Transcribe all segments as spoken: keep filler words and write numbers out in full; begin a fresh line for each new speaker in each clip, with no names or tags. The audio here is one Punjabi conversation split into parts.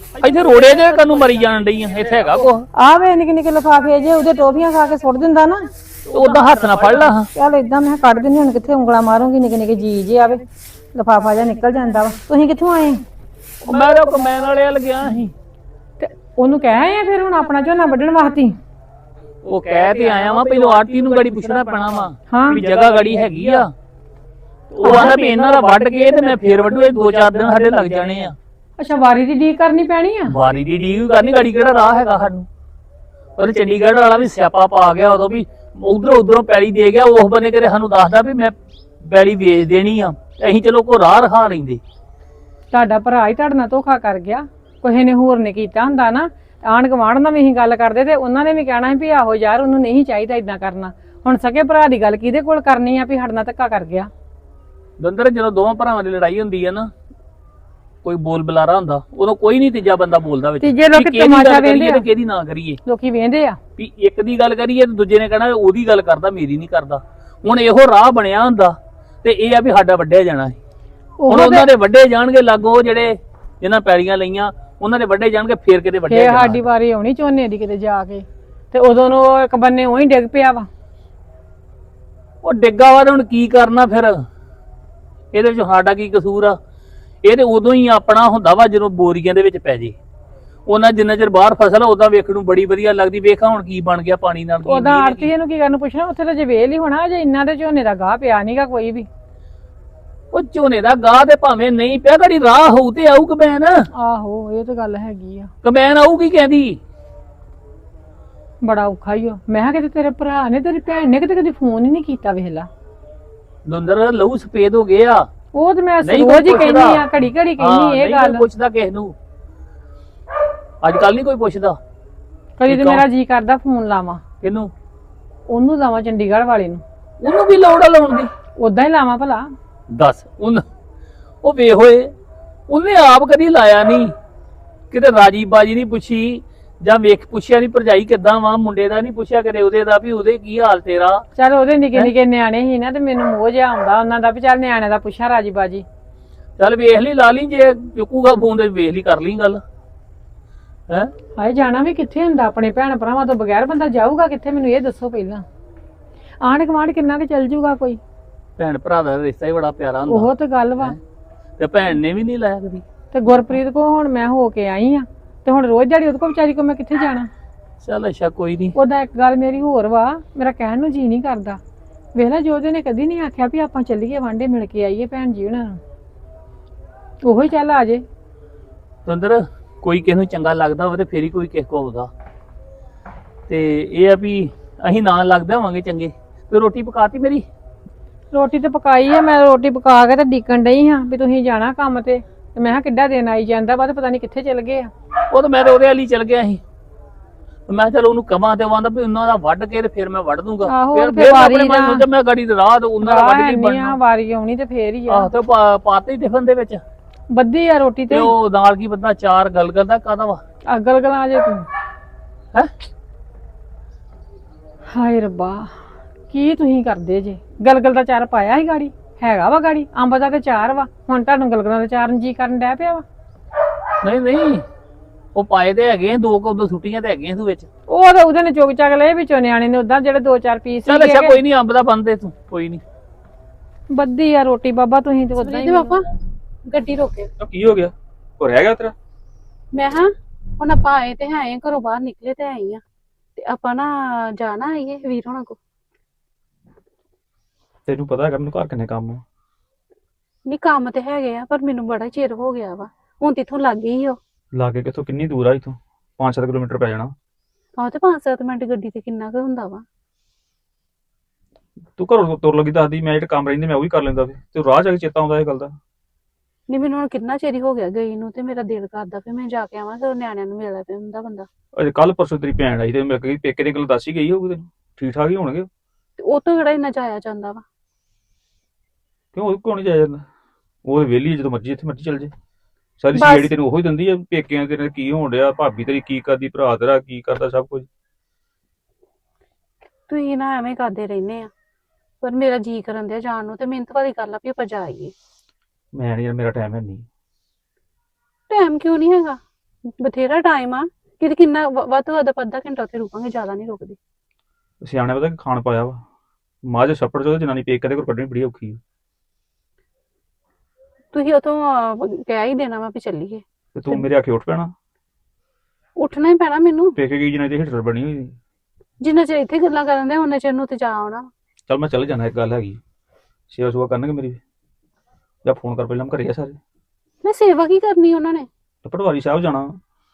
ਇੱਥੇ ਰੋੜੇ ਜੇ ਕੰਨੂ ਮਰੀ ਜਾਣ ਡਈ ਆ ਇੱਥੇ ਹੈਗਾ ਕੁਛ
ਆ ਵੇ ਨਿੱਕੇ ਨਿੱਕੇ ਲਿਫਾਫੇ ਜੇ ਉਹਦੇ ਟੋਫੀਆਂ ਖਾ ਕੇ ਸੁੱਟ ਦਿੰਦਾ ਨਾ
ਉਦਾਂ ਹੱਥ ਨਾ ਫੜ ਲਾ ਹਾਂ
ਚੱਲ ਇਦਾਂ ਮੈਂ ਕੱਢ ਦਿੰਦੀ ਹੁਣ ਕਿੱਥੇ ਉਂਗਲਾਂ ਮਾਰੂੰਗੀ ਨਿੱਕੇ ਨਿੱਕੇ ਜੀ ਜੇ ਆਵੇ ਲਿਫਾਫਾ ਜਿਹਾ ਨਿਕਲ ਜਾਂਦਾ ਵਾ ਤੁਸੀਂ ਕਿੱਥੋਂ ਆਏ
ਮੈਂ ਤਾਂ ਕਮੈਨ ਵਾਲੇ ਵੱਲ ਗਿਆ ਸੀ
ਤੇ ਉਹਨੂੰ ਕਹਿ ਆਏ ਆ ਫਿਰ ਹੁਣ ਆਪਣਾ ਝੋਨਾ ਵੱਢਣ ਵਾਸਤੇ
ਉਹ ਕਹਿ ਤੇ ਆਇਆ ਵਾਂ ਪਹਿਲਾਂ ਆਰਤੀ ਨੂੰ ਗਾੜੀ ਪੁੱਛਣਾ ਪੈਣਾ ਵਾ
ਹਾਂ
ਵੀ ਜਗ੍ਹਾ ਗਾੜੀ ਹੈਗੀ ਆ ਉਹ ਆਂਦਾ ਵੀ ਇਹਨਾਂ ਦਾ ਵੱਢ ਕੇ ਤੇ ਮੈਂ ਫੇਰ ਵੱਢੂ ਇਹ ਦੋ ਚਾਰ ਦਿਨ ਸਾਡੇ ਲੱਗ ਜਾਣੇ ਆ
ਅੱਛਾ ਵਾਰੀ ਦੀ ਡੀਕ ਕਰਨੀ ਪੈਣੀ ਆ
ਵਾਰੀ ਦੀ ਡੀਕ ਕਰਨੀ ਗਾੜੀ ਕਿਹੜਾ ਰਾਹ ਹੈਗਾ ਸਾਨੂੰ ਪਰ ਚੰਡੀਗੜ੍ਹ ਵਾਲਾ ਵੀ ਸਿਆਪਾ ਪਾ ਗਿਆ ਉਦੋਂ ਵੀ ਉਧਰੋਂ ਉਧਰੋਂ ਪੈਲੀ ਦੇ ਗਿਆ ਉਸ ਬੰਨੇ ਕਿਤੇ ਸਾਨੂੰ ਦੱਸਦਾ ਵੀ ਮੈਂ ਪੈਲੀ ਵੇਚ ਦੇਣੀ ਆ ਅਸੀਂ ਚਲੋ ਕੋ ਰਾਹ ਰਖਾ ਲੈਂਦੇ
ਤੁਹਾਡਾ ਭਰਾ ਹੀ ਤੁਹਾਡੇ ਨਾਲ ਧੋਖਾ ਕਰ ਗਿਆ ਕਿਸੇ ਨੇ ਹੋਰ ਨੇ ਕੀਤਾ ਹੁੰਦਾ ਨਾ ਆਂਢ ਗੁਆਂਢ ਨਾਲ ਵੀ ਅਸੀਂ ਗੱਲ ਕਰਦੇ ਤੇ ਉਹਨਾਂ ਨੇ ਵੀ ਕਹਿਣਾ ਸੀ ਵੀ ਆਹੋ ਯਾਰ ਉਹਨੂੰ ਨਹੀਂ ਚਾਹੀਦਾ ਇਦਾਂ ਕਰਨਾ ਹੁਣ ਸਕੇ ਭਰਾ ਦੀ ਗੱਲ ਕਿਹਦੇ ਕੋਲ ਕਰਨੀ ਆ ਵੀ ਸਾਡੇ ਨਾਲ ਧੱਕਾ ਕਰ ਗਿਆ
ਦੰਦਰ ਜਦੋਂ ਦੋਵਾਂ ਭਰਾਵਾਂ ਦੀ ਲੜਾਈ ਹੁੰਦੀ ਹੈ ਨਾ ਕੋਈ ਬੋਲ ਬੁਲਾਰਾ ਹੁੰਦਾ ਉਦੋਂ ਕੋਈ ਨਹੀਂ ਤੀਜਾ ਬੰਦਾ ਬੋਲਦਾ ਵਿੱਚ
ਤੀਜੇ ਲੋਕ ਤਮਾਸ਼ਾ ਵੇਂਦੇ ਆ
ਕਿਹਦੀ ਨਾ ਕਰੀਏ
ਲੋਕੀ ਵੇਂਦੇ ਆ
ਵੀ ਇੱਕ ਦੀ ਗੱਲ ਕਰੀਏ ਤੇ ਦੂਜੇ ਨੇ ਕਹਿਣਾ ਉਹਦੀ ਗੱਲ ਕਰਦਾ ਮੇਰੀ ਨਹੀਂ ਕਰਦਾ ਹੁਣ ਇਹੋ ਰਾਹ ਬਣਿਆ ਹੁੰਦਾ ਤੇ ਇਹ ਆ ਵੀ ਸਾਡਾ ਵੱਢਿਆ ਜਾਣਾ ਹੈ ਹੁਣ ਉਹਨਾਂ ਦੇ ਵੱਡੇ ਜਾਣਗੇ ਲਾਗੋ ਜਿਹੜੇ ਜਿਹਨਾਂ ਪੈੜੀਆਂ ਲਈਆਂ ਉਹਨਾਂ ਦੇ ਵੱਡੇ ਜਾਣਗੇ ਫੇਰ ਕਿਤੇ ਵੱਡੇ
ਫੇਰ ਸਾਡੀ ਵਾਰੀ ਆਉਣੀ ਝੋਨੇ ਦੀ ਕਿਤੇ ਜਾ ਕੇ ਤੇ ਉਦੋਂ ਨੂੰ ਇੱਕ ਬੰਨੇ ਉਹੀ ਡਿੱਗ ਪਿਆ ਵਾ
ਉਹ ਡਿੱਗਾ ਵਾ ਤੇ ਹੁਣ ਕੀ ਕਰਨਾ ਫਿਰ ਇਹਦੇ ਵਿੱਚ ਸਾਡਾ ਕੀ ਕਸੂਰ ਆ ਇਹ ਤੇ ਉਦੋਂ ਹੀ ਆਪਣਾ ਹੁੰਦਾ ਵਾ ਜਦੋਂ ਬੋਰੀਆਂ ਦੇ ਵਿੱਚ ਪੈ ਜੇ ਉਹਨਾਂ ਜਿੰਨਾ ਚਿਰ ਬਾਹਰ ਫਸਲ ਉਹਦਾ ਵੇਖਣ ਨੂੰ ਬੜੀ ਵਧੀਆ ਲੱਗਦੀ ਵੇਖਾ ਹੁਣ ਕੀ ਬਣ ਗਿਆ ਪਾਣੀ ਨਾਲ
ਉਹਦਾ ਆਰਤੀ ਨੂੰ ਕੀ ਕਰਨ ਪੁੱਛਣਾ ਉੱਥੇ ਤਾਂ ਜੇ ਵੇਲ ਹੀ ਹੋਣਾ ਜੇ ਇੰਨਾ ਦੇ ਝੋਨੇ ਦਾ ਗਾਹ ਪਿਆ ਨਹੀਂਗਾ ਕੋਈ ਵੀ
ਉਹ ਝੋਨੇ ਦਾ ਗਾਹ ਤੇ ਭਾਵੇਂ ਨਹੀਂ ਪਿਆ ਗੜੀ ਰਾਹ ਹੋਊ ਤੇ ਆਊ ਕਮੈਨ
ਆਹੋ ਇਹ ਤਾਂ ਗੱਲ ਹੈਗੀ ਆ
ਕਮੈਨ ਆਊਗੀ ਕਹਿੰਦੀ
ਬੜਾ ਔਖਾ ਹੀ ਆ ਮੈਂ ਕਿਹਾ ਕਿਤੇ ਤੇਰੇ ਭਰਾ ਨੇ ਤੇਰੀ ਭੈਣ ਨੇ ਕਿਤੇ ਕਦੀ ਫੋਨ ਹੀ ਨਹੀਂ ਕੀਤਾ ਵੇਖਲਾ
ਦੁੰਦਰ ਲਹੂ ਸਫੇਦ ਹੋ ਗਿਆ
ਉਹ ਤੇ ਮੈਂ ਰੋਜ਼ ਹੀ ਕਹਿੰਦੀ ਆ ਘੜੀ ਘੜੀ ਕਹਿੰਦੀ ਇਹ ਗੱਲ
ਪੁੱਛਦਾ ਕਿਸ ਨੂੰ ਅੱਜ ਕੱਲ ਨਹੀਂ ਕੋਈ ਪੁੱਛਦਾ
ਕਦੀ ਤੇ ਮੇਰਾ ਜੀ ਕਰਦਾ ਫੋਨ ਲਾਵਾਂ
ਕਿਹਨੂੰ
ਉਹਨੂੰ ਲਾਵਾਂ ਚੰਡੀਗੜ੍ਹ ਵਾਲੇ ਨੂੰ
ਉਹਨੂੰ ਵੀ ਲੋੜ ਆ ਲਾਉਣ ਦੀ
ਉਦਾਂ ਹੀ ਲਾਵਾਂ ਭਲਾ
ਦੱਸ ਉਹ ਉਹ ਵੇ ਹੋਏ ਉਹਨੇ ਆਪ ਕਦੀ ਲਾਇਆ ਨਹੀਂ ਕਿਤੇ ਰਾਜੀ ਬਾਜੀ ਨਹੀਂ ਪੁੱਛੀ ਜਾਂ ਵੇਖ ਪੁੱਛਿਆ ਨਹੀਂ ਭਰਜਾਈ ਕਿੱਦਾਂ ਵਾ ਮੁੰਡੇ ਦਾ ਨਹੀਂ ਪੁੱਛਿਆ ਕਦੇ ਉਹਦੇ ਦਾ ਵੀ ਉਹਦੇ ਕੀ ਹਾਲ ਤੇਰਾ
ਚੱਲ ਉਹਦੇ ਨਿੱਕੇ ਨਿੱਕੇ ਨਿਆਣੇ ਸੀ ਨਾ ਤੇ ਮੈਨੂੰ ਮੋਹ ਜਿਹਾ ਆਉਂਦਾ ਉਹਨਾਂ ਦਾ ਵੀ ਚੱਲ ਨਿਆਣਿਆਂ ਦਾ ਪੁੱਛਾਂ ਰਾਜੀ ਬਾਜੀ
ਚੱਲ ਵੇਖ ਲਈ ਲਾ ਲਈ ਜੇ ਚੁੱਕੂਗਾ ਫੋਨ ਤੇ ਵੇਖ ਲਈ ਕਰ ਲਈ ਗੱਲ ਹੈ
ਹਾਏ ਜਾਣਾ ਵੀ ਕਿੱਥੇ ਹੁੰਦਾ ਆਪਣੇ ਭੈਣ ਭਰਾਵਾਂ ਤੋਂ ਬਗੈਰ ਬੰਦਾ ਜਾਊਗਾ ਕਿੱਥੇ ਮੈਨੂੰ ਇਹ ਦੱਸੋ ਪਹਿਲਾਂ ਆਂਢ ਗੁਆਂਢ ਕਿੰਨਾ ਕੁ ਚੱਲ ਜੂਗਾ ਕੋਈ
ਭੈਣ ਭਰਾ ਦਾ ਰਿਸ਼ਤਾ ਹੀ ਬੜਾ ਪਿਆਰਾ ਹੁੰਦਾ
ਉਹ ਤੇ ਗੱਲ ਵਾ
ਤੇ ਭੈਣ ਨੇ ਵੀ ਨਹੀਂ ਲਾਇਆ ਕਦੀ
ਤੇ ਗੁਰਪ੍ਰੀਤ ਕੋ ਹੁਣ ਮੈਂ ਹੋ ਕੇ ਆਈ ਆ ਤੇ ਹੁਣ ਰੋਜ਼ ਦਿਹਾੜੀ ਉਹਦੇ ਕੋਲ ਵਿਚਾਰੀ ਕੋ ਮੈਂ ਕਿੱਥੇ ਜਾਣਾ
ਚੱਲ ਅੱਛਾ ਕੋਈ ਨਹੀਂ
ਉਹਦਾ ਇੱਕ ਗੱਲ ਮੇਰੀ ਹੋਰ ਵਾ ਮੇਰਾ ਕਹਿਣ ਨੂੰ ਜੀ ਨਹੀਂ ਕਰਦਾ ਵੇਖ ਲੈ ਜੋਦੇ ਨੇ ਕਦੀ ਨਹੀਂ ਆਖਿਆ ਵੀ ਆਪਾਂ ਚੱਲੀਏ ਵਾਂਡੇ ਮਿਲ ਕੇ ਆਈਏ ਭੈਣ ਜੀ ਉਹਨਾਂ ਨੂੰ ਉਹੀ ਚੱਲ ਆ ਜੇ
ਸੁੰਦਰ ਕੋਈ ਕਿਸੇ ਨੂੰ ਚੰਗਾ ਲੱਗਦਾ ਹੋਵੇ ਤੇ ਫੇਰ ਹੀ ਕੋਈ ਕਿਸੇ ਕੋ ਆਉਂਦਾ ਤੇ ਇਹ ਆ ਵੀ ਅਸੀਂ ਨਾਲ ਲੱਗਦੇ ਹੋਵਾਂਗੇ ਚੰਗੇ ਤੇ ਰੋਟੀ ਪਕਾਤੀ ਮੇਰੀ
ਰੋਟੀ ਤੇ ਪਕਾਈ ਆ ਮੈਂ ਰੋਟੀ ਪਕਾ ਕੇ ਤੇ ਡੀਕਣ ਡਈ ਹਾਂ ਵੀ ਤੁਸੀਂ ਜਾਣਾ ਕੰਮ ਤੇ ਤੇ ਮੈਂ ਕਿਹਾ ਕਿੱਡਾ ਦਿਨ ਆਈ ਜਾਂਦਾ ਵਾ ਤੇ ਪਤਾ ਨਹੀਂ ਕਿੱਥੇ ਚਲ ਗਏ ਆ
ਉਹ ਤਾਂ ਮੈਂ ਤੇ ਉਹਦੇ ਵਾਲੀ ਚਲ ਗਿਆ ਸੀ ਮੈਂ ਚਲ ਉਹਨੂੰ ਕਵਾਂ ਤੇ ਆਂਦਾ ਵੀ ਉਹਨਾਂ ਦਾ ਵੱਢ ਕੇ ਤੇ ਫਿਰ ਮੈਂ ਵੱਢ ਦੂੰਗਾ ਫਿਰ ਫਿਰ ਆਪਣੇ ਮਨ ਨੂੰ ਤੇ ਮੈਂ ਗਾੜੀ ਦੇ ਰਾਹ ਉਹਨਾਂ ਦਾ ਵੱਢ ਨਹੀਂ ਬਣਨਾ
ਵਾਰੀ ਆਉਣੀ ਤੇ ਫੇਰ ਹੀ ਆ
ਆਹ ਤੇ ਪਾਤੇ ਹੀ ਟਿਫਨ ਦੇ ਵਿੱਚ
ਬੱਦੀ ਆ ਰੋਟੀ ਤੇ
ਉਹ ਨਾਲ ਕੀ ਬੰਦਾ ਚਾਰ ਗਲਗਲ ਦਾ ਕਾਹਦਾ ਵਾ
ਅਗਲ ਗਲਾਂ ਜੇ ਤੂੰ
ਹੈ
ਹਾਏ ਰੱਬਾ ਕੀ ਤੁਸੀਂ ਕਰਦੇ ਜੇ ਗਲਗਲ ਦਾ ਚਾਰ ਪਾਇਆ ਸੀ ਗਾੜੀ ਹੈਗਾ ਵਾ ਗਾੜੀ ਅੰਬ ਦਾ ਤੇ ਚਾਰ ਵਾ ਹੁਣ ਤੁਹਾਨੂੰ ਗਲਗਲਾਂ ਦਾ ਚਾਰ ਜੀ ਕਰਨ ਡੈ ਪਿਆ ਵਾ
ਨਹੀਂ ਨਹੀਂ ਉਹ ਪਾਏ ਤੇ ਹੈਗੇ ਦੋ ਕੁ ਉਦੋਂ ਛੁੱਟੀਆਂ ਤੇ ਹੈਗੀਆਂ ਤੂੰ ਵਿੱਚ
ਉਹ ਤਾਂ ਉਹਦੇ ਨੇ ਚੁਗ ਚੱਕ ਲਏ ਵਿੱਚੋਂ ਨਿਆਣੇ ਨੇ ਉਦਾਂ ਜਿਹੜੇ ਦੋ ਚਾਰ ਪੀਸ
ਚੱਲ ਅੱਛਾ ਕੋਈ ਨਹੀਂ ਅੰਬ ਦਾ ਬੰਦੇ ਤੂੰ ਕੋਈ ਨਹੀਂ
ਬੱਦੀ ਆ ਰੋਟੀ ਬਾਬਾ ਤੁਸੀਂ ਤੇ ਉਦਾਂ ਹੀ
ਪਾਪਾ ਗੱਡੀ ਰੋਕੇ
ਕੀ ਹੋ ਗਿਆ ਹੋ ਰਹਿ ਗਿਆ ਤੇਰਾ
ਮੈਂ ਹਾਂ ਹੁਣ ਆਪਾਂ ਆਏ ਤੇ ਹੈ ਘਰੋਂ ਬਾਹਰ ਨਿਕਲੇ ਤੇ ਆਈ ਆ ਤੇ ਆਪਾਂ ਨਾ ਜਾਣਾ ਆਈਏ ਵੀਰ ਹੋਣਾ ਕੋ
ਤੈਨੂੰ ਪਤਾ ਹੈਗਾ ਮੈਨੂੰ ਘਰ ਕਿੰਨੇ ਕੰਮ ਆ
ਨਹੀਂ ਕੰਮ ਤੇ ਹੈਗੇ ਆ ਪਰ ਮੈਨੂੰ ਬੜਾ ਚਿਰ ਹੋ ਗਿਆ ਵਾ ਹੁਣ ਤੇ ਇਥੋਂ ਲੱਗ ਗਈ ਹੋ
ਲਾਗੇ ਕਿੱਥੋਂ ਕਿੰਨੀ ਦੂਰ ਆ ਇਥੋਂ ਪੰਜ ਸੱਤ ਕਿਲੋਮੀਟਰ ਪੈ ਜਾਣਾ
ਆਹ ਤੇ ਪੰਜ ਸੱਤ ਮਿੰਟ ਗੱਡੀ ਤੇ ਕਿੰਨਾ ਕੁ ਹੁੰਦਾ ਵਾ
ਤੂੰ ਘਰੋਂ ਤੁਰ ਲੱਗੀ ਦੱਸਦੀ ਮੈਂ ਜਿਹੜਾ ਕੰਮ ਰਹਿੰਦੇ ਮੈਂ ਉਹ ਵੀ ਕਰ ਲੈਂਦਾ ਫਿਰ ਤੇ ਰਾਹ ਜਾ ਕੇ ਚੇਤਾ ਆਉਂਦਾ ਇਹ ਗੱਲ ਦਾ
ਨਹੀਂ ਮੈਨੂੰ ਹੁਣ ਕਿੰਨਾ ਚਿਰ ਹੀ ਹੋ ਗਿਆ ਗਈ ਨੂੰ ਤੇ ਮੇਰਾ ਦਿਲ ਕਰਦਾ ਫਿਰ ਮੈਂ ਜਾ ਕੇ ਆਵਾਂ ਤੇ ਨਿਆਣਿਆਂ ਨੂੰ ਮਿਲਦਾ ਪਿਆ ਹੁੰਦਾ ਬੰਦਾ
ਅਜੇ ਕੱਲ ਪਰਸੋਂ ਤੇਰੀ ਭੈਣ ਆਈ ਤੇ ਮੈਂ ਕਹੀ ਪੇਕੇ ਦੀ ਗੱਲ ਦੱਸ ਹੀ ਗਈ ਹੋਊਗੀ ਤੈਨੂੰ ਠੀਕ ਠਾਕ ਹੀ ਹੋਣਗੇ
ਤੇ ਉਹ ਤੋਂ ਕਿਹੜਾ ਇੰਨਾ ਜਾਇਆ ਜਾਂਦਾ ਵਾ
ਕਿਉਂ ਉਹ ਕਿਉਂ ਨਹੀਂ ਜਾਇਆ ਜਾਂਦਾ ਉਹ ਵਿਹਲੀ ਜਦੋਂ ਮਰਜੀ ਇੱਥੇ ਮਰਜੀ ਚੱਲ ਜੇ ਸਾਰੀ ਜਿਹੜੀ ਤੈਨੂੰ ਉਹੀ ਦਿੰਦੀ ਆ ਪੇਕਿਆਂ ਤੇਰੇ ਕੀ ਹੋਣ ਡਿਆ ਭਾਬੀ ਤੇਰੀ ਕੀ ਕਰਦੀ ਭਰਾ ਤੇਰਾ ਕੀ ਕਰਦਾ ਸਭ ਕੁਝ
ਤੁਸੀਂ ਨਾ ਐਵੇਂ ਕਰਦੇ ਰਹਿੰਦੇ ਆ ਪਰ ਮੇਰਾ ਜੀ ਕਰਨ ਦਿਆ ਜਾਣ ਨੂੰ ਤੇ ਮਿਹਨਤ ਵਾਲੀ ਗੱਲ ਆ ਵੀ ਆਪਾਂ ਜਾਈਏ
ਮੈਂ ਨਹੀਂ ਯਾਰ ਮੇਰਾ ਟਾਈਮ ਹੈ ਨਹੀਂ
ਟਾਈਮ ਕਿਉਂ ਨਹੀਂ ਹੈਗਾ ਬਥੇਰਾ ਟਾਈਮ ਆ ਕਿ ਕਿੰਨਾ ਵ- ਵੱਧ ਤੋਂ ਵੱਧ ਆਪਾਂ ਅੱਧਾ ਘੰਟਾ ਉੱਥੇ ਰੁਕਾਂਗੇ, ਜ਼ਿਆਦਾ ਨਹੀਂ ਰੁਕਦੇ।
ਸਿਆਣੇ ਪਤਾ ਕਿ ਖਾਣ ਪਾਇਆ ਵਾ ਮਾਝ ਛੱਪੜ ਚੋਂ ਜਨਾਨੀ ਪੇਕ ਕਦੇ ਕੋਲ ਕੱਢਣੀ ਬੜੀ ਔਖੀ ਆ।
ਤੁਸੀਂ ਉਥੋਂ ਕਹਿ ਹੀ ਦੇਣਾ ਵਾ ਵੀ ਚੱਲੀਏ।
ਤੇ ਤੂੰ ਮੇਰੇ ਆਖੇ ਉੱਠ ਪੈਣਾ।
ਉੱਠਣਾ ਹੀ ਪੈਣਾ ਮੈਨੂੰ,
ਪੇਕੇ ਗਈ ਜਨਾਨੀ ਤੇ ਹਿਟਲਰ ਬਣੀ ਹੋਈ।
ਜਿੰਨਾ ਚਿਰ ਇੱਥੇ ਗੱਲਾਂ ਕਰਨ ਦੇ ਉਹਨਾਂ ਚਿਰ ਨੂੰ ਤੇ ਜਾ ਆਉਣਾ।
ਚੱਲ ਮੈਂ ਚੱਲ ਜਾਣਾ, ਇੱਕ ਗੱਲ ਹੈਗੀ ਸੇਵਾ ਸੁਵਾ ਕਰਨਗੇ ਮੇਰੀ, ਜਾਂ ਫੋਨ ਕਰ ਪਹਿਲਾਂ, ਮੈਂ ਘਰੇ ਆ ਸਾਰੇ।
ਮੈਂ ਸੇਵਾ ਕੀ ਕਰਨੀ ਉਹਨਾਂ ਨੇ?
ਤੇ ਪਟਵਾਰੀ ਸਾਹਿਬ ਜਾਣਾ।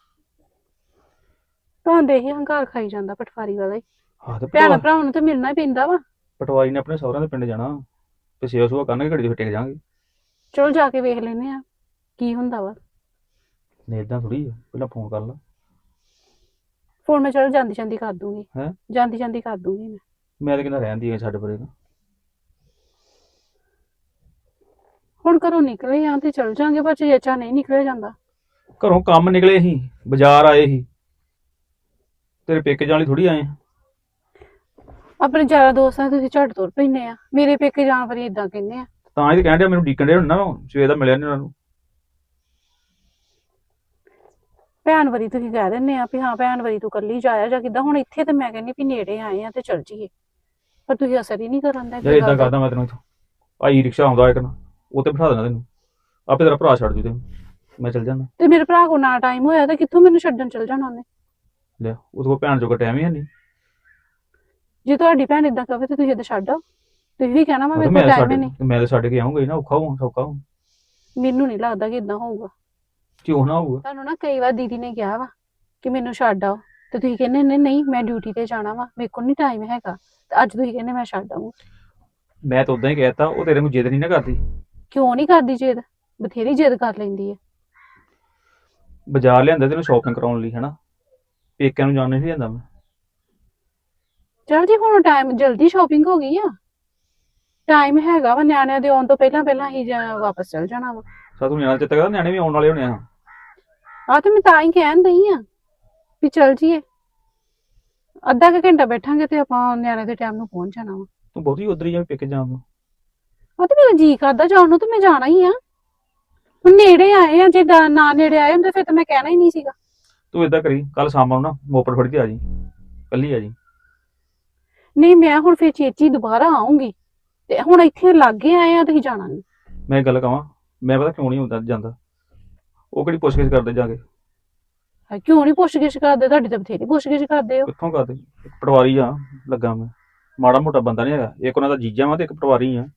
ਤੁਹਾਨੂੰ ਦੇਖ ਹੰਕਾਰ ਖਾਈ ਜਾਂਦਾ ਪਟਵਾਰੀ ਵਾਲਾ ਹੀ।
ਹਾਂ ਤੇ
ਭੈਣ
ਪਟਵਾ-
ਭਰਾਵਾਂ ਨੂੰ ਤੇ ਮਿਲਣਾ ਹੀ ਪੈਂਦਾ ਵਾ।
ਪਟਵਾਰੀ ਨੇ ਆਪਣੇ ਸਹੁਰਿਆਂ ਦੇ ਪਿੰਡ ਜਾਣਾ ਤੇ ਸੇਵਾ ਸੁਵਾ ਕਰਨਗੇ, ਘੜੀ ਦੇ ਫਿਰ ਟਿਕ ਜਾਾਂਗੇ।
ਚਲੋ ਜਾ ਕੇ ਵੇਖ ਲੈਨੇ ਆ ਕੀ ਹੁੰਦਾ ਵਾ।
ਨਹੀਂ ਏਦਾਂ ਥੋੜੀ ਆ, ਪਹਿਲਾਂ ਫੋਨ ਕਰ ਲਾ।
ਫੋਨ ਮੈਂ ਚਲ ਜਾਂਦੀ ਜਾਂਦੀ ਕਰ ਦੂੰਗੀ।
ਹੈਂ?
ਜਾਂਦੀ ਜਾਂਦੀ ਕਰ ਦੂੰਗੀ ਮੈਂ।
ਮੈਂ ਤਾਂ ਕਹਿੰਦਾ ਰਹਿੰਦੀ ਹੈ ਸਾਡੇ ਪਰੇ ਤਾਂ।
ਹੁਣ ਘਰੋਂ ਨਿਕਲੇ ਆ ਤੇ ਚਲ ਜਾਾਂਗੇ, ਪਰ ਚੇਚਾ ਨਹੀਂ ਨਿਕਲਿਆ ਜਾਂਦਾ।
ਘਰੋਂ ਕੰਮ ਨਿਕਲੇ ਸੀ, ਬਾਜ਼ਾਰ ਆਏ ਸੀ, ਤੇਰੇ ਪੇਕੇ ਜਾਣ ਲਈ ਥੋੜੀ ਆਏ ਆ।
ਆਪਣੇ ਯਾਰਾਂ ਦੋਸਤਾਂ ਤੁਸੀਂ ਝੱਟ ਤੁਰ ਪੈਂਦੇ ਆ, ਮੇਰੇ ਪੇਕੇ ਜਾਣ ਵਾਰੀ ਇਦਾਂ ਕਹਿੰਦੇ ਆ।
ਤਾਂ ਇਹ ਕਹਿਣ ਡਿਆ ਮੈਨੂੰ ਡੀਕਣ ਡਿਆ ਹੁਣ ਨਾ, ਸਵੇਰ ਦਾ ਮਿਲਿਆ ਨਹੀਂ ਉਹਨਾਂ ਨੂੰ।
ਭੈਣ ਵਾਰੀ ਤੁਸੀਂ ਕਹਿ ਦਿੰਦੇ ਆ ਵੀ ਹਾਂ ਭੈਣ ਵਾਰੀ ਤੂੰ ਕੱਲੀ ਜਾਇਆ ਜਾਂ ਕਿੱਦਾਂ। ਹੁਣ ਇੱਥੇ ਤੇ ਮੈਂ ਕਹਿੰਦੀ ਵੀ ਨੇੜੇ ਆਏ ਆ ਤੇ ਚਲ ਜੀਏ, ਪਰ ਤੁਸੀਂ ਅਸਰ ਹੀ ਨਹੀਂ ਕਰਨ ਦਾ।
ਯਾਰ ਏਦਾਂ ਕਰਦਾ ਮੈਂ ਤੈਨੂੰ ਇੱਥੋਂ ਆਈ ਰਿਕਸ਼ਾ ਆਉਂਦਾ ਇੱਕ ਨਾ, ਉਹ ਤੇ ਬਿਠਾ ਦੇਣਾ ਤੈਨੂੰ, ਆਪੇ ਤੇਰਾ ਭਰਾ ਛੱਡ ਜੂ ਤੈਨੂੰ, ਮੈਂ ਚੱਲ ਜਾਣਾ।
ਤੇ ਮੇਰੇ ਭਰਾ ਕੋਲ ਨਾ ਟਾਈਮ ਹੋਇਆ ਤਾਂ ਕਿੱਥੋਂ ਮੈਨੂੰ ਛੱਡਣ ਚਲ ਜਾਣਾ ਉਹਨੇ।
ਲਿਆ ਉਹਦੇ ਕੋਲ ਭੈਣ ਜੋਗਾ ਟਾਈਮ ਹੀ ਹੈ ਨਹੀਂ।
ਜੇ ਤੁਹਾਡੀ ਭੈਣ ਇਦਾਂ ਕਵੇ ਤੇ ਤੁਸੀਂ ਏਦਾਂ ਛੱਡ ਆਓ। ਤੁਸੀਂ ਵੀ ਕਹਿਣਾ ਵਾ ਮੇਰੇ
ਮੈਂ
ਕੋਲ
ਤਾਂ
ਟਾਈਮ ਹੀ
ਛੱਡ
ਨਹੀਂ।
ਮੈਂ ਤਾਂ ਛੱਡ ਕੇ ਆਉਂਗਾ ਹੀ ਨਾ, ਔਖਾ ਹੋਊ ਸੌਖਾ ਹੋਊ।
ਮੈਨੂੰ ਨਹੀਂ ਲੱਗਦਾ ਕਿ ਇਦਾਂ ਹੋਊਗਾ।
ਕਿਉਂ ਨਾ ਹੋਊਗਾ?
ਤੁਹਾਨੂੰ ਨਾ ਕਈ ਵਾਰ ਦੀਦੀ ਨੇ ਕਿਹਾ ਵਾ ਕਿ ਮੈਨੂੰ ਛੱਡ ਆਓ, ਤੇ ਤੁਸੀਂ ਕਹਿੰਦੇ ਨੇ ਨਹੀਂ ਮੈਂ ਡਿਊਟੀ ਤੇ ਜਾਣਾ ਵਾ, ਮੇਰੇ ਕੋਲ ਨਹੀਂ ਟਾਈਮ ਹੈਗਾ, ਤੇ ਅੱਜ ਤੁਸੀਂ ਕਹਿੰਦੇ ਮੈਂ ਛੱਡ ਆਊਂ।
ਮੈਂ ਤਾਂ ਉਦਾਂ ਹੀ ਕਹਿਤਾ, ਉਹ ਤੇਰੇ ਨੂੰ ਜਿੱਦ ਨਹੀਂ ਨਾ ਕਰਦੀ।
ਕਿਉਂ ਨਹੀਂ ਕਰਦੀ ਜਿੱਦ? ਬਥੇਰੀ ਜਿੱਦ ਕਰ ਲੈਂਦੀ ਹੈ।
ਬਾਜ਼ਾਰ ਲਿਆਂਦਾ ਤੈਨੂੰ ਸ਼ਾਪਿੰਗ ਕਰਾਉਣ ਲਈ, ਹਨਾ? ਪੇਕਿਆਂ ਨੂੰ ਜਾਣ ਨਹੀਂ ਲਿਆਂਦਾ ਮੈਂ।
ਚਲ ਜੀ ਹੁਣ ਟਾਈਮ ਜਲਦੀ ਸ਼ਾਪਿੰਗ ਹੋ ਗਈ ਆ, ਟਾਈਮ ਹੈਗਾ ਵਾ, ਨਿਆਣਿਆਂ ਦੇ ਆਉਣ ਤੋਂ ਪਹਿਲਾਂ ਪਹਿਲਾਂ ਹੀ ਵਾਪਸ ਚਲ ਜਾਣਾ ਵਾ।
ਸਾਥੋਂ ਨਿਆਣਾ ਚਿੱਤ ਕਰਦਾ, ਨਿਆਣੇ ਵੀ ਆਉਣ ਵਾਲੇ ਹੋਣੇ ਆ।
ਆ ਤੇ ਮੈਂ ਤਾਂ ਹੀ ਕਹਿਣ ਦਈ ਆ ਵੀ ਚਲ ਜੀਏ, ਅੱਧਾ ਕੁ ਘੰਟਾ ਬੈਠਾਂਗੇ ਤੇ ਆਪਾਂ ਨਿਆਣੇ ਦੇ ਟਾਈਮ ਨੂੰ ਪਹੁੰਚ ਜਾਣਾ ਵਾ।
ਤੂੰ ਬਹੁਤੀ ਉਧਰ ਹੀ ਜਾ ਪੇਕੇ ਜਾਣ ਨੂੰ।
ਆ ਤੇ ਮੇਰਾ ਜੀ ਕਰਦਾ ਜਾਣ ਨੂੰ, ਤੇ ਮੈਂ ਜਾਣਾ ਹੀ ਆ। ਹੁਣ ਨੇੜੇ ਆਏ ਆ, ਜੇ ਦਾ- ਨਾ ਨੇੜੇ ਆਏ ਹੁੰਦੇ ਫਿਰ ਤਾਂ ਮੈਂ ਕਹਿਣਾ ਹੀ ਨਹੀਂ ਸੀਗਾ।
ਤੂੰ ਏਦਾਂ ਕਰੀ, ਕੱਲ ਸ਼ਾਮ ਨੂੰ ਨਾ ਮੋਪੜ ਫੜ ਕੇ ਆ ਜੀ, ਕੱਲੀ ਆ ਜੀ।
ਨਹੀਂ ਮੈਂ ਹੁਣ ਫਿਰ ਚੇਚੀ ਦੁਬਾਰਾ ਆਉਂਗੀ, ਤੇ ਹੁਣ ਇੱਥੇ ਲਾਗੇ ਆਏ ਆ, ਤੁਸੀਂ ਜਾਣਾ ਨਹੀਂ।
ਮੈਂ ਇੱਕ ਗੱਲ ਕਹਾਂ, ਮੈਂ ਪਤਾ ਕਿਉਂ ਨਹੀਂ ਹੁੰਦਾ ਜਾਂਦਾ, ਉਹ ਕਿਹੜੀ ਪੁੱਛਗਿੱਛ ਕਰਦੇ ਜਾ ਕੇ?
ਹਾਏ, ਕਿਉਂ ਨਹੀਂ ਪੁੱਛ-ਗਿੱਛ ਕਰਦੇ? ਤੁਹਾਡੀ ਤਾਂ ਬਥੇਰੀ ਪੁੱਛ-ਗਿੱਛ ਕਰਦੇ ਹੋ।
ਕਿੱਥੋਂ ਕਰਦੇ? ਇੱਕ ਪਟਵਾਰੀ ਆ ਲੱਗਾ ਮੈਂ, ਮਾੜਾ ਮੋਟਾ ਬੰਦਾ ਨਹੀਂ ਹੈਗਾ। ਇੱਕ ਉਹਨਾਂ ਦਾ ਜੀਜਾ ਵਾ ਤੇ ਇੱਕ ਪਟਵਾਰੀ ਆ।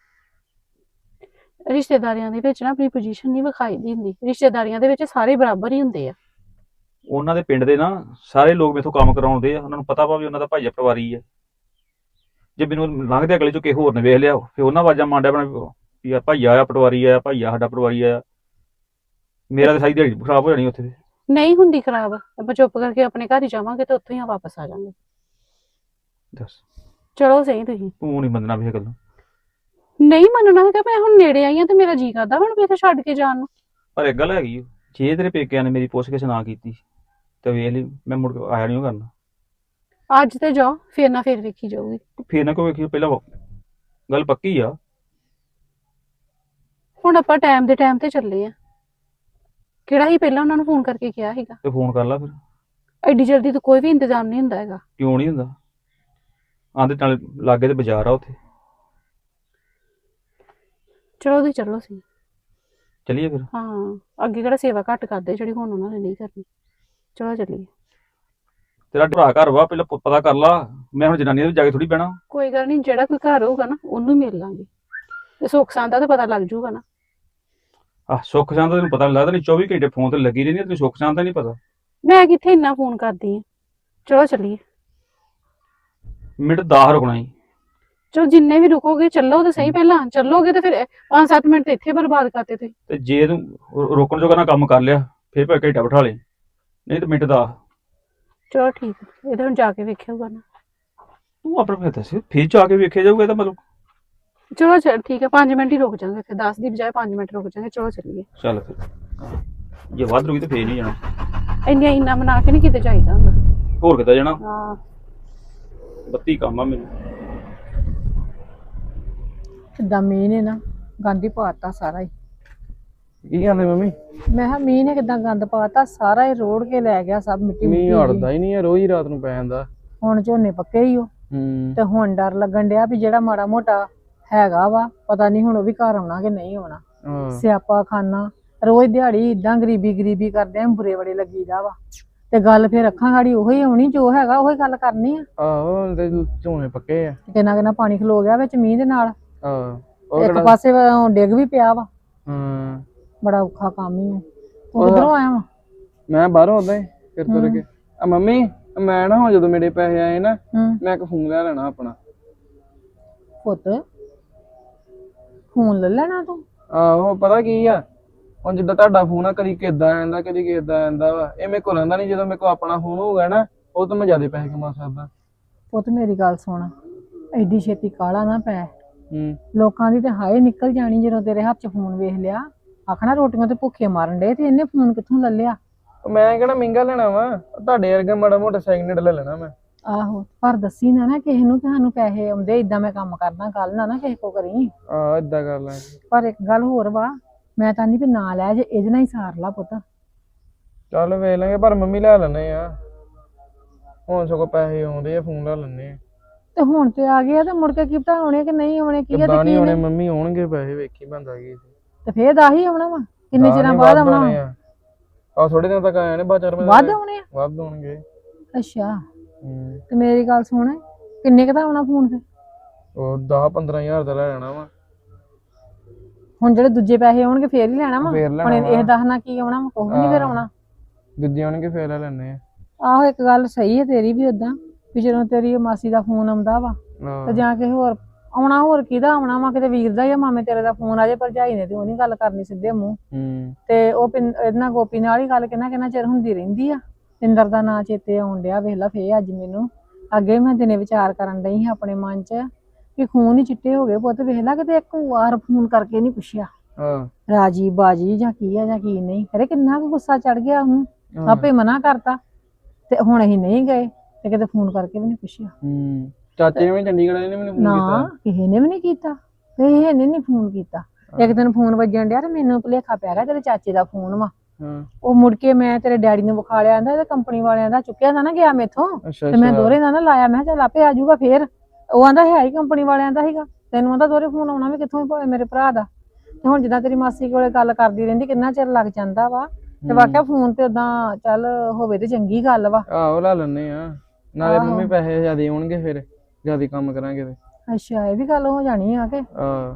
ਰਿਸ਼ਤੇਦਾਰੀਆਂ ਦੇ ਵਿੱਚ ਨਾ ਆਪਣੀ ਪੋਜੀਸ਼ਨ ਨਹੀਂ ਵਿਖਾਈ ਦੀ ਹੁੰਦੀ, ਰਿਸ਼ਤੇਦਾਰੀਆਂ ਦੇ ਵਿੱਚ ਸਾਰੇ ਬਰਾਬਰ ਹੀ ਹੁੰਦੇ ਆ।
ਉਹਨਾਂ ਦੇ ਪਿੰਡ ਦੇ ਨਾ ਸਾਰੇ ਲੋਕ ਮੇਥੋਂ ਕੰਮ ਕਰਾਉਂਦੇ ਆ, ਉਹਨਾਂ ਨੂੰ ਪਤਾ ਵਾ ਵੀ ਉਹਨਾਂ ਦਾ ਭਾਈਆ ਪਟਵਾਰੀ ਆ। ਜੇ ਮੈਨੂੰ ਲੰਘਦੇ ਅਗਲੇ ਚੋਂ ਕਿਸੇ ਹੋਰ ਨੇ ਵੇਖ ਲਿਆ, ਫਿਰ ਉਹਨਾਂ ਆਵਾਜ਼ਾਂ ਮਾਂਡਿਆ ਬਣਾ ਵੀ ਆ ਭਾਈਆ ਆ ਪਟਵਾਰੀ ਆ, ਭਾਈਆ ਸਾਡਾ ਪਟਵਾਰੀ ਆ। ਮੇਰਾ ਤਾਂ ਸਾਰੀ ਦਿਹਾੜੀ ਖਰਾਬ ਹੋ ਜਾਣੀ ਉੱਥੇ।
ਨਹੀਂ ਹੁੰਦੀ ਖਰਾਬ, ਆਪਾਂ ਚੁੱਪ ਕਰਕੇ ਆਪਣੇ ਘਰ ਹੀ ਜਾਵਾਂਗੇ ਤੇ ਉੱਥੋਂ ਹੀ ਵਾਪਸ ਆ ਜਾਵਾਂਗੇ।
ਦੱਸ,
ਚਲੋ ਸਹੀ, ਤੁਸੀਂ
ਤੂੰ ਨਹੀਂ ਮੰਨਣਾ ਵੀ ਇਹ ਗੱਲ।
ਨਹੀਂ ਮੰਨਣਾ ਹੈਗਾ। ਮੈਂ ਹੁਣ ਨੇੜੇ ਆਈ ਆ ਤੇ ਮੇਰਾ ਜੀ ਕਰਦਾ ਹੁਣ ਵੀ ਇੱਥੇ ਛੱਡ ਕੇ ਜਾਣ ਨੂੰ।
ਪਰ ਇੱਕ ਗੱਲ ਹੈਗੀ, ਜੇ ਤੇਰੇ ਪੇਕਿਆਂ ਨੇ ਮੇਰੀ ਪੁੱਛ-ਗਿੱਛ ਨਾ ਕੀਤੀ ਤੇ ਵੇਖ ਲਈ ਮੈਂ ਮੁੜ ਕੇ ਆਇਆ ਨਹੀਂ ਕਰਨਾ।
ਅੱਜ ਤੇ ਜਾਓ, ਫੇਰ ਨਾ ਫੇਰ ਵੇਖੀ ਜਾਊਗੀ।
ਫੇਰ ਨਾ ਕੋਈ ਵੇਖੀ, ਪਹਿਲਾਂ ਗੱਲ ਪੱਕੀ ਆ।
ਹੁਣ ਆਪਾਂ ਟਾਈਮ ਦੇ ਟਾਈਮ ਤੇ ਚੱਲੇ ਆ। ਕਿਹੜਾ ਹੀ ਪਹਿਲਾਂ ਉਹਨਾਂ ਨੂੰ ਫੋਨ ਕਰਕੇ ਕਿਹਾ ਸੀਗਾ?
ਤੇ ਫੋਨ ਕਰ ਲਾ ਫਿਰ।
ਐਡੀ ਜਲਦੀ ਤਾਂ ਕੋਈ ਵੀ ਇੰਤਜ਼ਾਮ ਨਹੀਂ ਹੁੰਦਾ ਹੈਗਾ।
ਕਿਉਂ ਨਹੀਂ ਹੁੰਦਾ? ਆਂਦੇ ਨਾਲ ਲਾਗੇ ਤੇ ਬਾਜ਼ਾਰ ਆ ਉੱਥੇ।
ਚਲੋ ਤੁਸੀਂ ਚੱਲੋ ਸੀ।
ਚੱਲੀਏ ਫਿਰ।
ਹਾਂ, ਅੱਗੇ ਕਿਹੜਾ ਸੇਵਾ ਘੱਟ ਕਰਦੇ ਜਿਹੜੀ ਹੁਣ ਉਹਨਾਂ ਨੇ ਨਹੀਂ ਕਰਨੀ। ਚਲੋ ਚੱਲੀਏ।
ਤੇਰਾ ਭਰਾ ਘਰ ਵਾ, ਪਹਿਲਾਂ ਪ- ਪਤਾ ਕਰ ਲਾ। ਮੈਂ ਹੁਣ ਜਨਾਨੀ ਦੇ ਜਾ ਕੇ ਥੋੜੀ ਬਹਿਣਾ।
ਕੋਈ ਗੱਲ ਨਹੀਂ, ਜਿਹੜਾ ਕੋਈ ਘਰ ਹੋਊਗਾ ਨਾ ਉਹਨੂੰ ਮਿਲ ਲਾਂਗੇ, ਤੇ ਸੁੱਖ ਸਾਂਦ ਦਾ ਤਾਂ ਪਤਾ ਲੱਗ ਜੂਗਾ ਨਾ।
ਆਹ ਸੁੱਖ ਸ਼ਾਂਤ ਦਾ ਤੈਨੂੰ ਪਤਾ ਨੀ ਲੱਗਦਾ, ਨਹੀਂ ਚੌਵੀ ਘੰਟੇ ਫੋਨ ਤੇ ਲੱਗੀ ਰਹਿੰਦੀ ਆ, ਤੈਨੂੰ ਸੁੱਖ ਸ਼ਾਂਤ ਦਾ ਨਹੀਂ ਪਤਾ।
ਮੈਂ ਕਿੱਥੇ ਇੰਨਾ ਫੋਨ ਕਰਦੀ ਆ। ਚਲੋ ਚੱਲੀਏ।
ਮਿੰਟ ਦਸ ਰੁਕਣਾ ਹੀ।
ਚਲੋ ਜਿੰਨੇ ਵੀ ਰੁਕੋਗੇ ਚੱਲੋ ਤਾਂ ਸਹੀ, ਪਹਿਲਾਂ ਚੱਲੋਗੇ ਤੇ ਫਿਰ ਪੰਜ ਸੱਤ ਮਿੰਟ ਤੇ ਇੱਥੇ ਬਰਬਾਦ ਕਰਤੇ ਤੁਸੀਂ।
ਤੇ ਜੇ ਤੂੰ ਰੋ- ਰੋਕਣ ਜੋਗਾ ਨਾ ਕੰਮ ਕਰ ਲਿਆ, ਫਿਰ ਭਾਵੇਂ ਘੰਟਾ ਬਿਠਾ ਲੈ, ਨਹੀਂ ਤੇ ਮਿੰਟ ਦਸ।
ਚਲੋ ਠੀਕ ਹੈ, ਇਹ ਤਾਂ ਹੁਣ ਜਾ ਕੇ ਵੇਖਿਆਊਗਾ ਨਾ।
ਤੂੰ ਆਪਣਾ ਫਿਰ ਦੱਸ, ਫਿਰ ਜਾ ਕੇ ਵੇਖਿਆ ਜਾਊਗਾ ਇਹਦਾ ਮਤਲਬ।
ਚਲੋ ਚੱਲ ਠੀਕ ਹੈ, ਪੰਜ ਮਿੰਟ ਹੀ ਰੁਕ ਜਾਵਾਂਗੇ, ਫਿਰ ਦਸ ਦੀ ਬਜਾਏ ਪੰਜ ਮਿੰਟ ਰੁਕ ਜਾਵਾਂਗੇ। ਚਲੋ ਚੱਲੀਏ।
ਚੱਲ ਫਿਰ, ਜੇ ਵੱਧ ਰੁਕੀ ਤੇ ਫੇਰ ਨਹੀਂ ਜਾਣਾ।
ਇੰਨੀਆਂ ਇੰਨਾ ਬਣਾ ਕੇ ਨਹੀਂ ਕਿਤੇ ਚਾਹੀਦਾ ਹੁੰਦਾ।
ਹੋਰ ਕਿੱਦਾਂ ਜਾਣਾ?
ਹਾਂ,
ਬੱਤੀ ਕੰਮ ਆ ਮੈਨੂੰ।
ਕਿੱਦਾਂ ਮੀਂਹ ਨੇ ਨਾ ਗਾਂਧੀ ਪਾਤਾ ਸਾਰਾ ਹੀ।
ਕੀ ਕਹਿੰਦੇ ਮੰਮੀ?
ਮੈਂ ਕਿਹਾ ਮੀਂਹ ਨੇ ਕਿਦਾਂ ਗੰਦ ਪਾਤਾ, ਸਾਰਾ ਹੀ ਰੋੜ ਕੇ ਲੈ ਗਿਆ ਸਭ ਮਿੱਟੀ
ਮੀਂਹ
ਮੁੱਟੀ
ਹਟਦਾ ਹੀ ਨਹੀਂ ਹੈ, ਰੋਜ਼ ਹੀ ਰਾਤ ਨੂੰ ਪੈ ਜਾਂਦਾ।
ਹੁਣ ਝੋਨੇ ਪੱਕੇ ਹੀ ਹੋ
ਹੂੰ
ਤੇ ਹੁਣ ਡਰ ਲੱਗਣ ਡਿਆ ਵੀ ਜਿਹੜਾ ਮਾੜਾ ਮੋਟਾ ਹੈਗਾ ਵਾ ਪਤਾ ਨਹੀਂ ਹੁਣ ਉਹ ਵੀ ਘਰ ਆਉਣਾ ਕਿ ਨਹੀਂ ਆਉਣਾ।
ਹਾਂ
ਸਿਆਪਾ ਖਾਨਾ ਰੋਜ਼ ਦਿਹਾੜੀ ਇਦਾਂ ਗਰੀਬੀ ਗਰੀਬੀ ਕਰਦੇ ਆ, ਬੁਰੇ ਬੜੇ ਲੱਗੀਦਾ ਵਾ ਤੇ ਗੱਲ ਫਿਰ ਅੱਖਾਂ ਗਾੜੀ ਉਹੀ ਆਉਣੀ, ਜੋ ਹੈਗਾ ਉਹੀ ਗੱਲ ਕਰਨੀ ਆ।
ਆਹੋ ਤੇ ਝੋਨੇ ਪੱਕੇ ਆ।
ਕਿੰਨਾ ਕਿੰਨਾ ਪਾਣੀ ਖਲੋ ਗਿਆ ਵਿੱਚ ਮੀਂਹ ਦੇ ਨਾਲ,
ਆਹ ਉਹ
ਇੱਕ
ਕਿਹੜਾ
ਪਾਸੇ ਉਹ ਡਿੱਗ ਵੀ ਪਿਆ ਵਾ।
ਹਾਂ
ਬੜਾ ਔਖਾ ਕੰਮ ਹੀ ਆ। ਤੂੰ ਕਿੱਧਰੋਂ ਆਇਆ ਵਾ?
ਮੈਂ ਬਾਹਰੋਂ ਆਉਂਦਾ ਫਿਰ ਤੁਰ ਕੇ। ਆ ਮੰਮੀ ਮੈਂ ਨਾ ਹੁਣ ਜਦੋਂ ਮੇਰੇ ਪੈਸੇ ਆਏ ਨਾ
ਹੂੰ
ਮੈਂ ਇੱਕ ਫੋਨ ਲੈ ਲੈਣਾ ਆਪਣਾ।
ਪੁੱਤ ਫੋਨ ਲੈ ਲੈਣਾ ਤੂੰ?
ਆਹੋ ਪਤਾ ਕੀ ਆ, ਹੁਣ ਜਿੱਦਾਂ ਤੁਹਾਡਾ ਫੋਨ ਆ ਕਦੀ ਕਿੱਦਾਂ ਆਂਦਾ ਕਦੀ ਕਿੱਦਾਂ ਆਂਦਾ ਵਾ, ਇਹ ਮੇਰੇ ਕੋਲ ਰਹਿੰਦਾ ਨਹੀਂ। ਜਦੋਂ ਮੇਰੇ ਕੋਲ ਆਪਣਾ ਫੋਨ ਹੋਊਗਾ ਨਾ ਉਹ ਤੋਂ ਮੈਂ ਜ਼ਿਆਦਾ ਪੈਸੇ ਕਮਾ ਸਕਦਾ।
ਪੁੱਤ ਮੇਰੀ ਗੱਲ ਸੁਣ, ਐਡੀ ਛੇਤੀ ਕਾਲਾ ਨਾ ਪੈ।
ਹੂੰ
ਲੋਕਾਂ ਦੀ ਤੇ ਹਾਏ ਨਿਕਲ ਜਾਣੀ ਜਦੋਂ ਤੇਰੇ ਹੱਥ 'ਚ ਫੋਨ ਵੇਖ ਲਿਆ, ਆਖਣਾ ਰੋਟੀਆਂ ਤੇ ਭੁੱਖੇ ਮਾਰਨ ਡੇ ਤੇ ਇਹਨੇ ਫੋਨ ਕਿੱਥੋਂ ਲੈ ਲਿਆ।
ਮੈਂ ਕਿਹੜਾ ਮਹਿੰਗਾ ਲੈਣਾ ਵਾ, ਤੁਹਾਡੇ ਵਰਗਾ ਮਾੜਾ ਮੋਟਾ ਸੈਕਿੰਡ ਹੈਂਡ ਲੈ ਲੈਣਾ ਮੈਂ।
ਆਹੋ ਪਰ ਦੱਸੀ ਨਾ ਨਾ ਕਿਸੇ ਨੂੰ ਕਿ ਸਾਨੂੰ ਪੈਸੇ ਆਉਂਦੇ, ਇਦਾਂ ਮੈਂ ਕੰਮ ਕਰਦਾ, ਗੱਲ ਨਾ ਨਾ ਕਿਸੇ ਕੋ ਕਰੀ।
ਆਹ ਏਦਾਂ ਕਰ ਲੈ।
ਪਰ ਇੱਕ ਗੱਲ ਹੋਰ ਵਾ, ਮੈਂ ਤਾਂ ਨਹੀਂ ਵੀ ਨਾ ਲੈ, ਜੇ ਇਹਦੇ ਨਾਲ ਹੀ ਸਾਰ ਲਾ ਪੁੱਤ।
ਚੱਲ ਵੇਖ ਲਾਂਗੇ, ਪਰ ਮੰਮੀ ਲੈ ਲੈਣੇ ਆ ਹੁਣ, ਸਗੋਂ ਪੈਸੇ ਆਉਂਦੇ ਆ ਫੋਨ ਲੈ ਲੈਣੇ ਆ।
ਤੇ ਹੁਣ ਤੇ ਆ ਗਏ ਆ ਤੇ ਮੁੜ ਕੇ ਕੀ ਪਤਾ ਆਉਣੇ ਕਿ ਨਹੀਂ ਆਉਣੇ, ਕੀ ਆ
ਕਿੱਦਾਂ
ਤੇ
ਨਹੀਂ
ਕੀ
ਆਉਣੇ
ਨਹੀਂ।
ਮੰਮੀ, ਆਉਣਗੇ ਪੈਸੇ, ਵੇਖੀ ਬੰਦਾ ਕੀ
ਤੇ ਫੇਰ ਦਸ ਹੀ ਆਉਣਾ ਵਾ, ਕਿੰਨੇ ਚਿਰਾਂ ਬਾਅਦ ਆਉਣਾ ਵਾ?
ਆ ਥੋੜੇ ਦਿਨ ਤੱਕ ਆਏ ਨੇ, ਬਾਅਦ ਚਾਰ ਮਹੀਨੇ
ਵੱਧ ਆਉਣੇ ਆ?
ਵੱਧ ਹੋਣਗੇ।
ਅੱਛਾ
ਹੂੰ
ਤੇ ਮੇਰੀ ਗੱਲ ਸੁਣ, ਕਿੰਨੇ ਕੁ ਦਾ ਆਉਣਾ ਫੋਨ ਤੇ?
ਉਹ ਦਸ ਪੰਦਰਾਂ ਹਜ਼ਾਰ ਦਾ ਲੈ ਲੈਣਾ ਵਾ।
ਹੁਣ ਜਿਹੜੇ ਦੂਜੇ ਪੈਸੇ ਆਉਣਗੇ ਫੇਰ ਹੀ ਲੈਣਾ ਵਾ।
ਫੇਰ
ਹੁਣ
ਲੈਣਾ
ਇਹ ਦਸ ਨਾਲ ਕੀ ਆਉਣਾ ਵਾ, ਕੁਛ ਵੀ ਨਹੀਂ ਫੇਰ ਆਉਣਾ।
ਦੂਜੇ ਆਉਣਗੇ ਫੇਰ ਲੈ ਲੈਣੇ ਆ।
ਆਹੋ ਇੱਕ ਗੱਲ ਸਹੀ ਹੈ ਤੇਰੀ ਵੀ, ਓਦਾਂ ਵੀ ਜਦੋਂ ਤੇਰੀ ਮਾਸੀ ਦਾ ਫੋਨ ਆਉਂਦਾ ਵਾ ਤੇ ਜਾਂ ਕਿਸੇ ਹੋਰ ਆਉਣਾ, ਹੋਰ ਕਿਹਦਾ ਆਉਣਾ ਵਾ, ਕਿਤੇ ਵੀਰ ਦਾ ਜਾਂ ਮਾਮੇ ਤੇਰੇ ਦਾ ਫੋਨ ਆ ਜੇ, ਭਰਜਾਈ ਨੇ ਤੇ ਉਹ ਨੀ ਗੱਲ ਕਰਨੀ ਸਿੱਧੇ ਮੂੰਹ।
ਹੂੰ
ਤੇ ਉਹ ਇਹਨਾਂ ਗੋਪੀ ਨਾਲ ਹੀ ਗੱਲ ਕਿੰਨਾ ਕਿੰਨਾ ਚਿਰ ਹੁੰਦੀ ਰਹਿੰਦੀ ਆ। ਪਿੰਦਰ ਦਾ ਨਾਂ ਚੇਤੇ ਆਉਣ ਡਿਆ, ਵੇਖ ਲਾ ਫੇਰ ਅੱਜ ਮੈਨੂੰ। ਅੱਗੇ ਮੈਂ ਦਿਨੇ ਵਿਚਾਰ ਕਰਨ ਡਈ ਸੀ ਆਪਣੇ ਮਨ 'ਚ ਵੀ ਖੂਨ ਹੀ ਚਿੱਟੇ ਹੋ ਗਏ ਪੁੱਤ, ਵੇਖ ਲਾ ਕਿਤੇ ਇੱਕ ਵਾਰ ਫੋਨ ਕਰਕੇ ਨੀ ਪੁੱਛਿਆ
ਹਾਂ
ਰਾਜੀ ਬਾਜੀ ਜਾਂ ਕੀ ਆ ਜਾਂ ਕੀ ਨਹੀਂ। ਅਰੇ ਕਿੰਨਾ ਕੁ ਗੁੱਸਾ ਚੜ ਗਿਆ ਉਹਨੂੰ, ਆਪੇ ਮਨਾ ਕਰਤਾ ਤੇ ਹੁਣ ਅਸੀਂ ਨਹੀਂ ਗਏ ਤੇ ਕਿਤੇ ਫੋਨ ਕਰਕੇ ਵੀ ਨੀ ਪੁੱਛਿਆ।
ਹੂੰ ਚਾਚੇ ਨੇ ਵੀ ਚੰਡੀਗੜ੍ਹ ਵਾਲੇ ਨੇ ਮੈਨੂੰ ਫੋਨ
ਨਾ
ਕੀਤਾ?
ਕਿਸੇ ਨੇ ਵੀ ਨਹੀਂ ਕੀਤਾ, ਕਿਸੇ ਨੇ ਨੀ ਫੋਨ ਕੀਤਾ। ਇੱਕ ਦਿਨ ਫੋਨ ਵੱਜਣ ਡਿਆ ਤੇ ਮੈਨੂੰ ਭੁਲੇਖਾ ਪੈ ਗਿਆ ਤੇਰੇ ਚਾਚੇ ਦਾ ਫੋਨ ਵਾ।
ਹਾਂ
ਉਹ ਮੁੜ ਕੇ ਮੈਂ ਤੇਰੇ ਡੈਡੀ ਨੂੰ ਵਿਖਾ ਲਿਆ, ਆਂਦਾ ਕੰਪਨੀ ਵਾਲਿਆਂ ਦਾ ਚੁੱਕਿਆ ਦਾ ਨਾ ਗਿਆ ਮੇਥੋਂ,
ਅੱਛਾ
ਤੇ ਮੈਂ
ਅੱਛਾ
ਦੋਹਰੇ ਦਾ ਨਾ ਲਾਇਆ। ਮੈਂ ਕਿਹਾ ਚੱਲ ਆਪੇ ਆ ਜਾਊਗਾ ਫੇਰ। ਉਹ ਆਂਦਾ ਹੈ ਹੀ ਕੰਪਨੀ ਵਾਲਿਆਂ ਦਾ ਸੀਗਾ, ਤੈਨੂੰ ਆਂਦਾ ਦੋਹਰੇ ਫੋਨ ਆਉਣਾ ਵੀ ਕਿੱਥੋਂ ਭਾਵੇਂ ਮੇਰੇ ਭਰਾ ਦਾ। ਤੇ ਹੁਣ ਜਿੱਦਾਂ ਤੇਰੀ ਮਾਸੀ ਕੋਲੇ ਗੱਲ ਕਰਦੀ ਰਹਿੰਦੀ, ਕਿੰਨਾ ਚਿਰ ਲੱਗ ਜਾਂਦਾ ਵਾ। ਤੇ ਵਾਕਿਆ ਫੋਨ ਤੇ ਓਦਾਂ ਚੱਲ ਹੋਵੇ ਤੇ ਚੰਗੀ ਗੱਲ ਵਾ।
ਆਹੋ ਲੈ ਲੈਣੇ ਆ, ਨਾਲੇ ਮੰਮੀ ਪੈਸੇ ਜ਼ਿਆਦਾ ਆਉਣਗੇ, ਫਿਰ ਜ਼ਿਆਦਾ ਕੰਮ ਕਰਾਂਗੇ ਤੇ।
ਅੱਛਾ ਇਹ ਵੀ ਗੱਲ ਹੋ ਜਾਣੀ ਆ ਕਿ
ਆਹ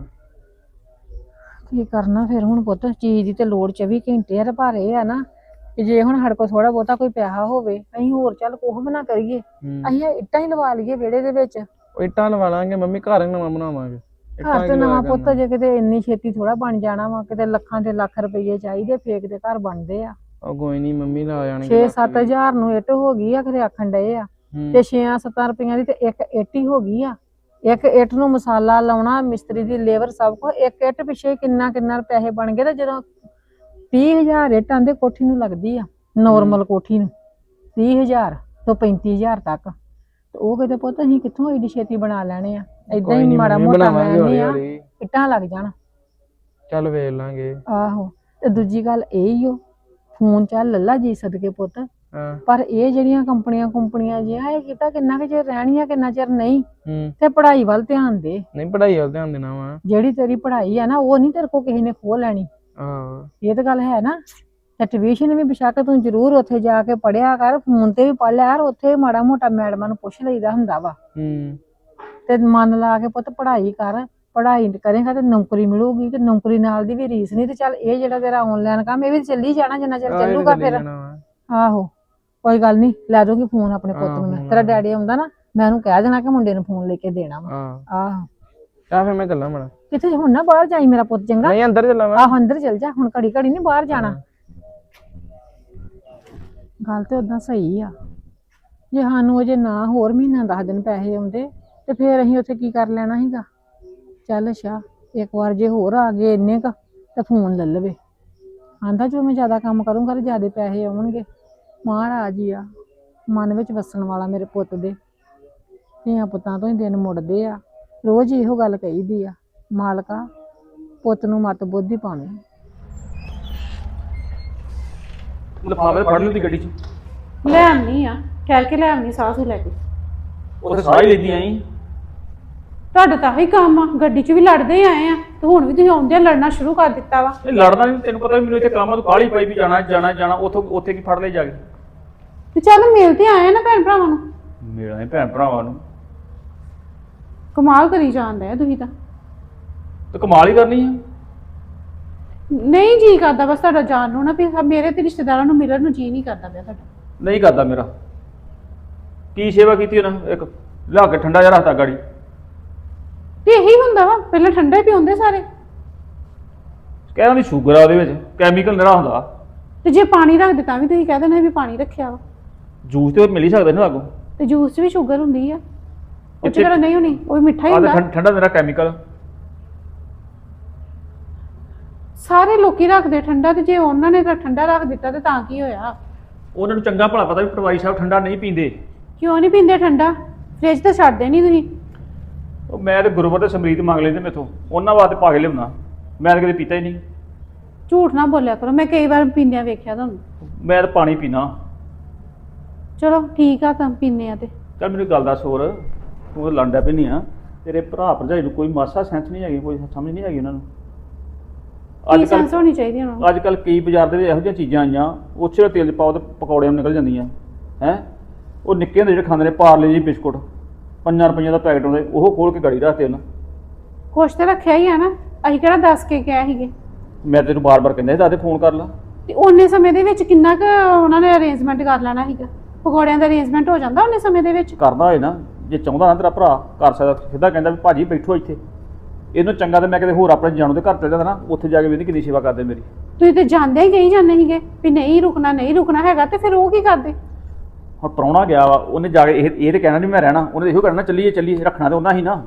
ਕੀ ਕਰਨਾ ਫਿਰ ਹੁਣ ਪੁੱਤ, ਚੀਜ਼ ਦੀ ਤੇ ਲੋੜ ਚੌਵੀ ਘੰਟੇ ਆ। ਤੇ ਪਰ ਇਹ ਆ ਨਾ ਕਿ ਜੇ ਹੁਣ ਸਾਡੇ ਕੋਲ ਥੋੜਾ ਬਹੁਤਾ ਕੋਈ ਪੈਸਾ ਹੋਵੇ, ਅਸੀਂ ਹੋਰ ਚੱਲ ਕੁਛ ਵੀ ਨਾ ਕਰੀਏ, ਅਸੀਂ ਇਹ ਇੱਟਾਂ ਹੀ ਲਵਾ ਲਈਏ ਵਿਹੜੇ ਦੇ ਵਿੱਚ।
ਉਹ ਇੱਟਾਂ ਲਵਾ ਲਾਂਗੇ ਮੰਮੀ, ਘਰ ਨਵਾਂ ਬਣਾਵਾਂਗੇ।
ਘਰ ਤੇ ਨਵਾਂ ਪੁੱਤ ਜੇ ਕਿਤੇ ਇੰਨੀ ਛੇਤੀ ਥੋੜਾ ਬਣ ਜਾਣਾ ਵਾ, ਕਿਤੇ ਲੱਖਾਂ ਤੇ ਲੱਖ ਰੁਪਏ ਚਾਹੀਦੇ, ਫੇਕ ਦੇ ਘਰ ਬਣਦੇ ਆ।
ਉਹ ਕੋਈ ਨਹੀਂ ਮੰਮੀ ਲਾ ਜਾਣਗੇ।
ਛੇ ਸੱਤ ਹਜ਼ਾਰ ਨੂੰ ਇੱਟ ਹੋ ਗਈ ਆ ਕਿਤੇ ਆਖਣ ਡਏ ਆ, ਤੇ ਛੇ ਸੱਤਾਂ ਰੁਪਈਆਂ ਦੀ ਤੇ ਇੱਕ ਇੱਟ ਹੀ ਹੋ ਗਈ ਆ। ਇੱਕ ਇੱਟ ਨੂੰ ਮਸਾਲਾ ਲਾਉਣਾ, ਮਿਸਤਰੀ ਦੀ ਲੇਬਰ, ਸਭ ਕੁਝ ਇੱਕ ਇੱਟ ਪਿੱਛੇ ਕਿੰਨਾ ਕਿੰਨਾ ਪੈਸੇ ਬਣ ਗਏ। ਤੇ ਜਦੋਂ ਤੀਹ ਹਜ਼ਾਰ ਇੱਟ ਆਂਦੇ ਕੋਠੀ ਨੂੰ ਲੱਗਦੀ ਆ, ਨੋਰਮਲ ਕੋਠੀ ਨੂੰ ਤੀਹ ਹਜ਼ਾਰ ਤੋਂ ਪੈਂਤੀ ਹਜ਼ਾਰ ਤੱਕ, ਤੇ ਉਹ ਕਿਤੇ ਪੁੱਤ ਅਸੀਂ ਕਿੱਥੋਂ ਏਡੀ ਛੇਤੀ ਬਣਾ ਲੈਣੇ ਆ। ਏਦਾਂ ਹੀ ਮਾੜਾ ਮੋਟਾ ਲੈਣੇ ਆ, ਇੱਟਾਂ ਲੱਗ ਜਾਣ।
ਚੱਲ ਵੇਖ ਲਾਂਗੇ।
ਆਹੋ ਤੇ ਦੂਜੀ ਗੱਲ ਇਹ ਹੀ ਓ, ਫੋਨ ਚੱਲ ਲੱਲਾ ਜੀ ਸਦਕੇ ਪੁੱਤ,
ਹਾਂ
ਪਰ ਇਹ ਜਿਹੜੀਆਂ ਕੰਪਨੀਆਂ ਕੰਪਨੀਆਂ ਜਿਹਾ ਇਹ ਕੀਤਾ ਕਿੰਨਾ ਕੁ ਚਿਰ ਰਹਿਣੀਆਂ ਕਿੰਨਾ ਚਿਰ ਨਹੀਂ।
ਹੂੰ
ਤੇ ਪੜ੍ਹਾਈ ਵੱਲ ਧਿਆਨ ਦੇ,
ਨਹੀਂ ਪੜ੍ਹਾਈ ਵੱਲ ਧਿਆਨ ਦੇਣਾ ਵਾ।
ਜਿਹੜੀ ਤੇਰੀ ਪੜ੍ਹਾਈ ਆ ਨਾ ਉਹ ਨਹੀਂ ਤੇਰੇ ਕੋਲ ਕਿਸੇ ਨੇ ਖੋਹ ਲੈਣੀ।
ਆਹੋ
ਇਹ ਤਾਂ ਗੱਲ ਹੈ ਨਾ। ਤੇ ਟਿਊਸ਼ਨ ਵੀ ਬੇਸ਼ੱਕ ਤੂੰ ਜ਼ਰੂਰ ਉੱਥੇ ਜਾ ਕੇ ਪੜ੍ਹਿਆ ਕਰ, ਫੋਨ ਤੇ ਵੀ ਪੜ੍ਹ ਲਿਆ ਯਾਰ, ਉੱਥੇ ਮਾੜਾ ਮੋਟਾ ਮੈਡਮਾਂ ਨੂੰ ਪੁੱਛ ਲਈਦਾ ਹੁੰਦਾ ਵਾ।
ਹੂੰ
ਤੇ ਮਨ ਲਾ ਕੇ ਪੁੱਤ ਪੜ੍ਹਾਈ ਕਰ, ਪੜ੍ਹਾਈ ਕਰੇਗਾ ਤੇ ਨੌਕਰੀ ਮਿਲੂਗੀ, ਤੇ ਨੌਕਰੀ ਨਾਲ ਦੀ ਵੀ ਰੀਸ ਨਹੀਂ। ਤੇ ਚੱਲ ਇਹ ਜਿਹੜਾ ਤੇਰਾ ਆਨਲਾਈਨ ਕੰਮ ਇਹ ਵੀ ਚੱਲੀ ਜਾਣਾ ਜਿੰਨਾ ਚਿਰ ਚੱਲੂਗਾ ਫਿਰ। ਆਹੋ ਕੋਈ ਗੱਲ ਨਹੀਂ, ਲੈ ਦੂੰਗੀ ਫੋਨ ਆਪਣੇ ਪੁੱਤ ਨੂੰ ਮੈਂ। ਤੇਰਾ ਡੈਡੀ ਆਉਂਦਾ ਨਾ ਮੈਂ ਉਹਨੂੰ ਕਹਿ ਦੇਣਾ ਕਿ ਮੁੰਡੇ ਨੂੰ ਫੋਨ ਲੈ ਕੇ ਦੇਣਾ ਵਾ। ਆਹੋ
ਤਾਂ ਫਿਰ ਮੈਂ ਚੱਲਾਂ ਮੜਾ।
ਕਿੱਥੇ ਹੁਣ ਨਾ ਬਾਹਰ ਜਾਈ ਮੇਰਾ ਪੁੱਤ, ਚੰਗਾ?
ਨਹੀਂ ਅੰਦਰ ਚੱਲਾਂ ਮੈਂ।
ਆਹੋ ਅੰਦਰ ਚੱਲ ਜਾ, ਹੁਣ ਘੜੀ ਘੜੀ ਨਹੀਂ ਬਾਹਰ ਜਾਣਾ। ਗੱਲ ਤੇ ਓਦਾਂ ਸਹੀ ਆ, ਜੇ ਸਾਨੂੰ ਅਜੇ ਨਾ ਹੋਰ ਮਹੀਨਾ ਦਸ ਦਿਨ ਪੈਸੇ ਆਉਂਦੇ ਤੇ ਫੇਰ ਅਸੀਂ ਉੱਥੇ ਕੀ ਕਰ ਲੈਣਾ ਸੀਗਾ। ਚੱਲ ਅੱਛਾ ਇੱਕ ਵਾਰ ਜੇ ਹੋਰ ਆ ਗਏ ਇੰਨੇ ਕ ਤਾਂ ਫੋਨ ਲੈ ਲਵੇ। ਆਂਦਾ ਜੋ ਮੈਂ ਜ਼ਿਆਦਾ ਕੰਮ ਕਰੂੰਗਾ ਤੇ ਜ਼ਿਆਦਾ ਪੈਸੇ ਆਉਣਗੇ। ਮਹਾਰਾਜ ਹੀ ਆ ਮਨ ਵਿੱਚ ਵਸਣ ਵਾਲਾ ਮੇਰੇ ਪੁੱਤ ਦੇ। ਧੀਆਂ ਪੁੱਤਾਂ ਤੋਂ ਹੀ ਦਿਨ ਮੁੜਦੇ ਆ, ਰੋਜ਼ ਇਹੋ ਗੱਲ ਕਹੀਦੀ ਆ, ਮਾਲਕਾ ਪੁੱਤ ਨੂੰ ਮੱਤ ਬੁੱਧੀ ਪਾਵੀਂ।
ਲਿਫਾਫੇ ਫੜ ਲਈ ਗੱਡੀ 'ਚ
ਲੈ ਆਉਣੀ ਆ, ਕਹਿ ਕੇ ਲੈ ਆਉਣੀ ਸਾਸੂ ਲੈ ਕੇ।
ਉੱਥੇ ਸਾਹ ਹੀ ਲੈਂਦੀ ਆਈ।
ਤੁਹਾਡਾ ਤਾਂ ਹੀ ਕੰਮ ਆ, ਗੱਡੀ 'ਚ ਵੀ ਲੜਦੇ ਹੀ ਆਏ ਆ ਤੇ ਹੁਣ ਵੀ ਤੁਸੀਂ ਆਉਂਦਿਆਂ ਲੜਨਾ ਸ਼ੁਰੂ ਕਰ ਦਿੱਤਾ ਵਾ।
ਇਹ ਲੜਨਾ ਨਹੀਂ, ਤੈਨੂੰ ਪਤਾ ਮੈਨੂੰ ਇੱਥੇ ਕੰਮ ਆ, ਤੂੰ ਕਾਹਲੀ ਪਈ ਵੀ ਜਾਣਾ ਜਾਣਾ ਜਾਣਾ, ਉੱਥੋਂ ਉੱਥੇ ਕੀ ਫੜ ਲੈ ਜਾ ਕੇ।
ਤੇ ਚੱਲ ਮਿਲ ਤੇ ਆਏ ਆ ਨਾ ਭੈਣ ਭਰਾਵਾਂ ਨੂੰ।
ਮਿਲਾਂ ਭੈਣ ਭਰਾਵਾਂ ਨੂੰ
ਕਮਾਲ ਕਰੀ ਜਾਂਦੇ ਆ ਤੁਸੀਂ ਤਾਂ।
ਤੇ ਕਮਾਲ ਹੀ ਕਰਨੀ ਆ।
ਨਹੀਂ ਜੀ ਕਰਦਾ ਬਸ ਤੁਹਾਡਾ ਜਾਣ ਨੂੰ ਨਾ, ਵੀ ਮੇਰੇ ਤੇ ਰਿਸ਼ਤੇਦਾਰਾਂ ਨੂੰ ਮਿਲਣ ਨੂੰ ਜੀ ਨਹੀਂ ਕਰਦਾ ਪਿਆ ਤੁਹਾਡਾ।
ਨਹੀਂ ਕਰਦਾ ਮੇਰਾ। ਕੀ ਸੇਵਾ ਕੀਤੀ ਉਹਨਾਂ, ਇੱਕ ਲਿਆ ਕੇ ਠੰਡਾ ਜਿਹਾ ਰੱਖਤਾ ਗਾੜੀ।
ਤੇ ਇਹੀ ਹੁੰਦਾ ਵਾ, ਪਹਿਲਾਂ ਠੰਡਾ ਹੀ ਪੀਉਂਦੇ ਸਾਰੇ।
ਕਹਿੰਦਾ ਨਹੀਂ ਸ਼ੂਗਰ ਆ ਉਹਦੇ ਵਿੱਚ, ਕੈਮੀਕਲ ਨਿਹਰਾ ਹੁੰਦਾ।
ਤੇ ਜੇ ਪਾਣੀ ਰੱਖ ਦਿੱਤਾ ਵੀ ਤੁਸੀਂ ਕਹਿ ਦੇਣਾ ਵੀ ਪਾਣੀ ਰੱਖਿਆ ਵਾ।
ਜੂਸ ਤੇ ਮਿਲ ਹੀ ਸਕਦਾ ਨਾ ਲਾਗੋਂ।
ਤੇ ਜੂਸ 'ਚ ਵੀ ਸ਼ੂਗਰ ਹੁੰਦੀ ਆ, ਉਹ 'ਚ
ਇੱਥੇ-
ਕਿਹੜਾ ਨਹੀਂ ਹੋਣੀ, ਉਹ ਵੀ ਮਿੱਠਾ ਹੀ
ਆਹ
ਹੁੰਦਾ।
ਤਾਂ ਠੰਡਾ ਨਿਹਰਾ ਕੈਮੀਕਲ।
ਸਾਰੇ ਲੋਕੀ ਰੱਖਦੇ ਠੰਡਾ, ਤੇ ਜੇ ਉਹਨਾਂ ਨੇ ਤਾਂ ਠੰਡਾ ਰੱਖ ਦਿੱਤਾ ਤੇ ਤਾਂ ਕੀ ਹੋਇਆ?
ਉਹਨਾਂ ਨੂੰ ਚੰਗਾ ਭਲਾ ਪਤਾ ਵੀ ਪਟਵਾਰੀ ਸਾਹਿਬ ਠੰਡਾ ਨਹੀਂ ਪੀਂਦੇ।
ਕਿਉਂ ਨਹੀਂ ਪੀਂਦੇ ਠੰਡਾ? ਫ੍ਰਿਜ ਤਾਂ ਛੱਡਦੇ ਨਹੀਂ ਤੁਸੀਂ।
ਉਹ ਮੈਂ ਤੇ ਗੁਰੂਵਰ ਤੇ ਸਮਰੀਤ ਮੰਗ ਲੈਂਦੇ ਮੇਥੋਂ, ਉਹਨਾਂ ਵਾਸਤੇ ਪਾ ਕੇ ਲਿਆਉਣਾ। ਮੈਂ ਤਾਂ ਕਦੇ ਪੀਤਾ ਹੀ ਨਹੀਂ।
ਝੂਠ ਨਾ ਬੋਲਿਆ ਕਰੋ, ਮੈਂ ਕਈ ਵਾਰ ਪੀਂਦਿਆਂ ਵੇਖਿਆ ਤੁਹਾਨੂੰ।
ਮੈਂ ਤਾਂ ਪਾਣੀ ਪੀਣਾ।
ਚਲੋ ਠੀਕ ਆ, ਤਾਂ ਪੀਨੇ ਆ ਤੇ।
ਚੱਲ ਮੈਨੂੰ ਗੱਲ ਦੱਸ ਹੋਰ, ਤੂੰ ਤਾਂ ਲੰਡਾ ਪੈਣੀ ਆ, ਤੇਰੇ ਭਰਾ ਭਰਜਾਈ ਨੂੰ ਕੋਈ ਮਾਸਾ ਸੈਂਸ ਨਹੀਂ ਹੈਗੀ, ਕੋਈ ਸਮਝ ਨਹੀਂ ਹੈਗੀ ਉਹਨਾਂ ਨੂੰ।
ਕੀ ਸੈਂਸ ਹੋਣੀ ਚਾਹੀਦੀ ਉਹਨਾਂ ਨੂੰ?
ਅੱਜ ਕੱਲ ਕਈ ਬਾਜ਼ਾਰ ਦੇ ਵਿੱਚ ਇਹੋ ਜਿਹੀਆਂ ਚੀਜ਼ਾਂ ਆਈਆਂ, ਉੱਥੇ ਤੇਲ ਪਾਓ ਤੇ ਪਕੌੜਿਆਂ ਨੂੰ ਨਿਕਲ ਜਾਂਦੀਆਂ ਹੈ। ਉਹ ਨਿੱਕੇ ਹੁੰਦੇ ਜਿਹੜੇ ਖਾਂਦੇ ਨੇ ਪਾਰਲੇ ਜੀ ਬਿਸਕੁਟ, ਪੰਜਾਂ ਰੁਪਈਆਂ ਦਾ ਪੈਕਟ ਆਉਂਦੇ, ਉਹ ਖੋਲ ਕੇ ਗਾੜੀ ਰੱਖਦੇ ਉਹਨਾਂ।
ਕੁਛ ਤਾਂ ਰੱਖਿਆ ਹੀ ਆ ਨਾ, ਅਸੀਂ ਕਿਹੜਾ ਦੱਸ ਕੇ ਗਏ ਸੀਗੇ।
ਮੈਂ ਤੈਨੂੰ ਬਾਰ-ਬਾਰ ਕਹਿੰਦਾ ਸੀ ਦਾਦੇ ਫੋਨ ਕਰ ਲਾ।
ਤੇ ਉਹਨੇ ਸਮੇਂ ਦੇ ਵਿੱਚ ਕਿੰਨਾ ਕੁ ਉਹਨਾਂ ਨੇ ਅਰੇਂਜਮੈਂਟ ਕਰ ਲੈਣਾ ਸੀਗਾ? ਪਕੌੜਿਆਂ ਦਾ ਅਰੇਂਜਮੈਂਟ ਹੋ ਜਾਂਦਾ ਉਹਨੇ ਸਮੇਂ ਦੇ ਵਿੱਚ।
ਕਰਦਾ ਹੋਏ ਨਾ, ਜੇ ਚਾਹੁੰਦਾ ਨਾ ਤੇਰਾ ਭਰਾ ਕਰ ਸਕਦਾ, ਸਿੱਧਾ ਕਹਿੰਦਾ ਵੀ ਭਾਜੀ ਬੈਠੋ ਇੱਥੇ। ਇਹਨੂੰ ਚੰਗਾ ਤੇ ਮੈਂ ਕਿਤੇ ਹੋਰ ਆਪਣੇ ਜਾਣੂ ਦੇ ਘਰ ਚਲ ਜਾਂਦਾ ਨਾ, ਉੱਥੇ ਜਾ ਕੇ ਵੀ ਕਿੰਨੀ ਸੇਵਾ ਕਰਦੇ ਮੇਰੀ।
ਤੁਸੀਂ ਤੇ ਜਾਂਦੇ ਹੀ ਕਹੀ ਜਾਂਦੇ ਸੀਗੇ ਵੀ ਨਹੀਂ ਰੁਕਣਾ ਨਹੀਂ ਰੁਕਣਾ ਹੈਗਾ, ਤੇ ਫਿਰ ਉਹ ਕੀ ਕਰਦੇ?
ਹੁਣ ਪ੍ਰਾਹੁਣਾ ਗਿਆ ਵਾ, ਉਹਨੇ ਜਾ ਕੇ ਇਹ ਇਹ ਤੇ ਕਹਿਣਾ ਨਹੀਂ ਮੈਂ ਰਹਿਣਾ, ਉਹਨੇ ਇਹੋ ਕਹਿਣਾ ਚੱਲੀਏ ਚੱਲੀਏ, ਰੱਖਣਾ ਤੇ ਉਹਨਾਂ ਹੀ ਨਾ।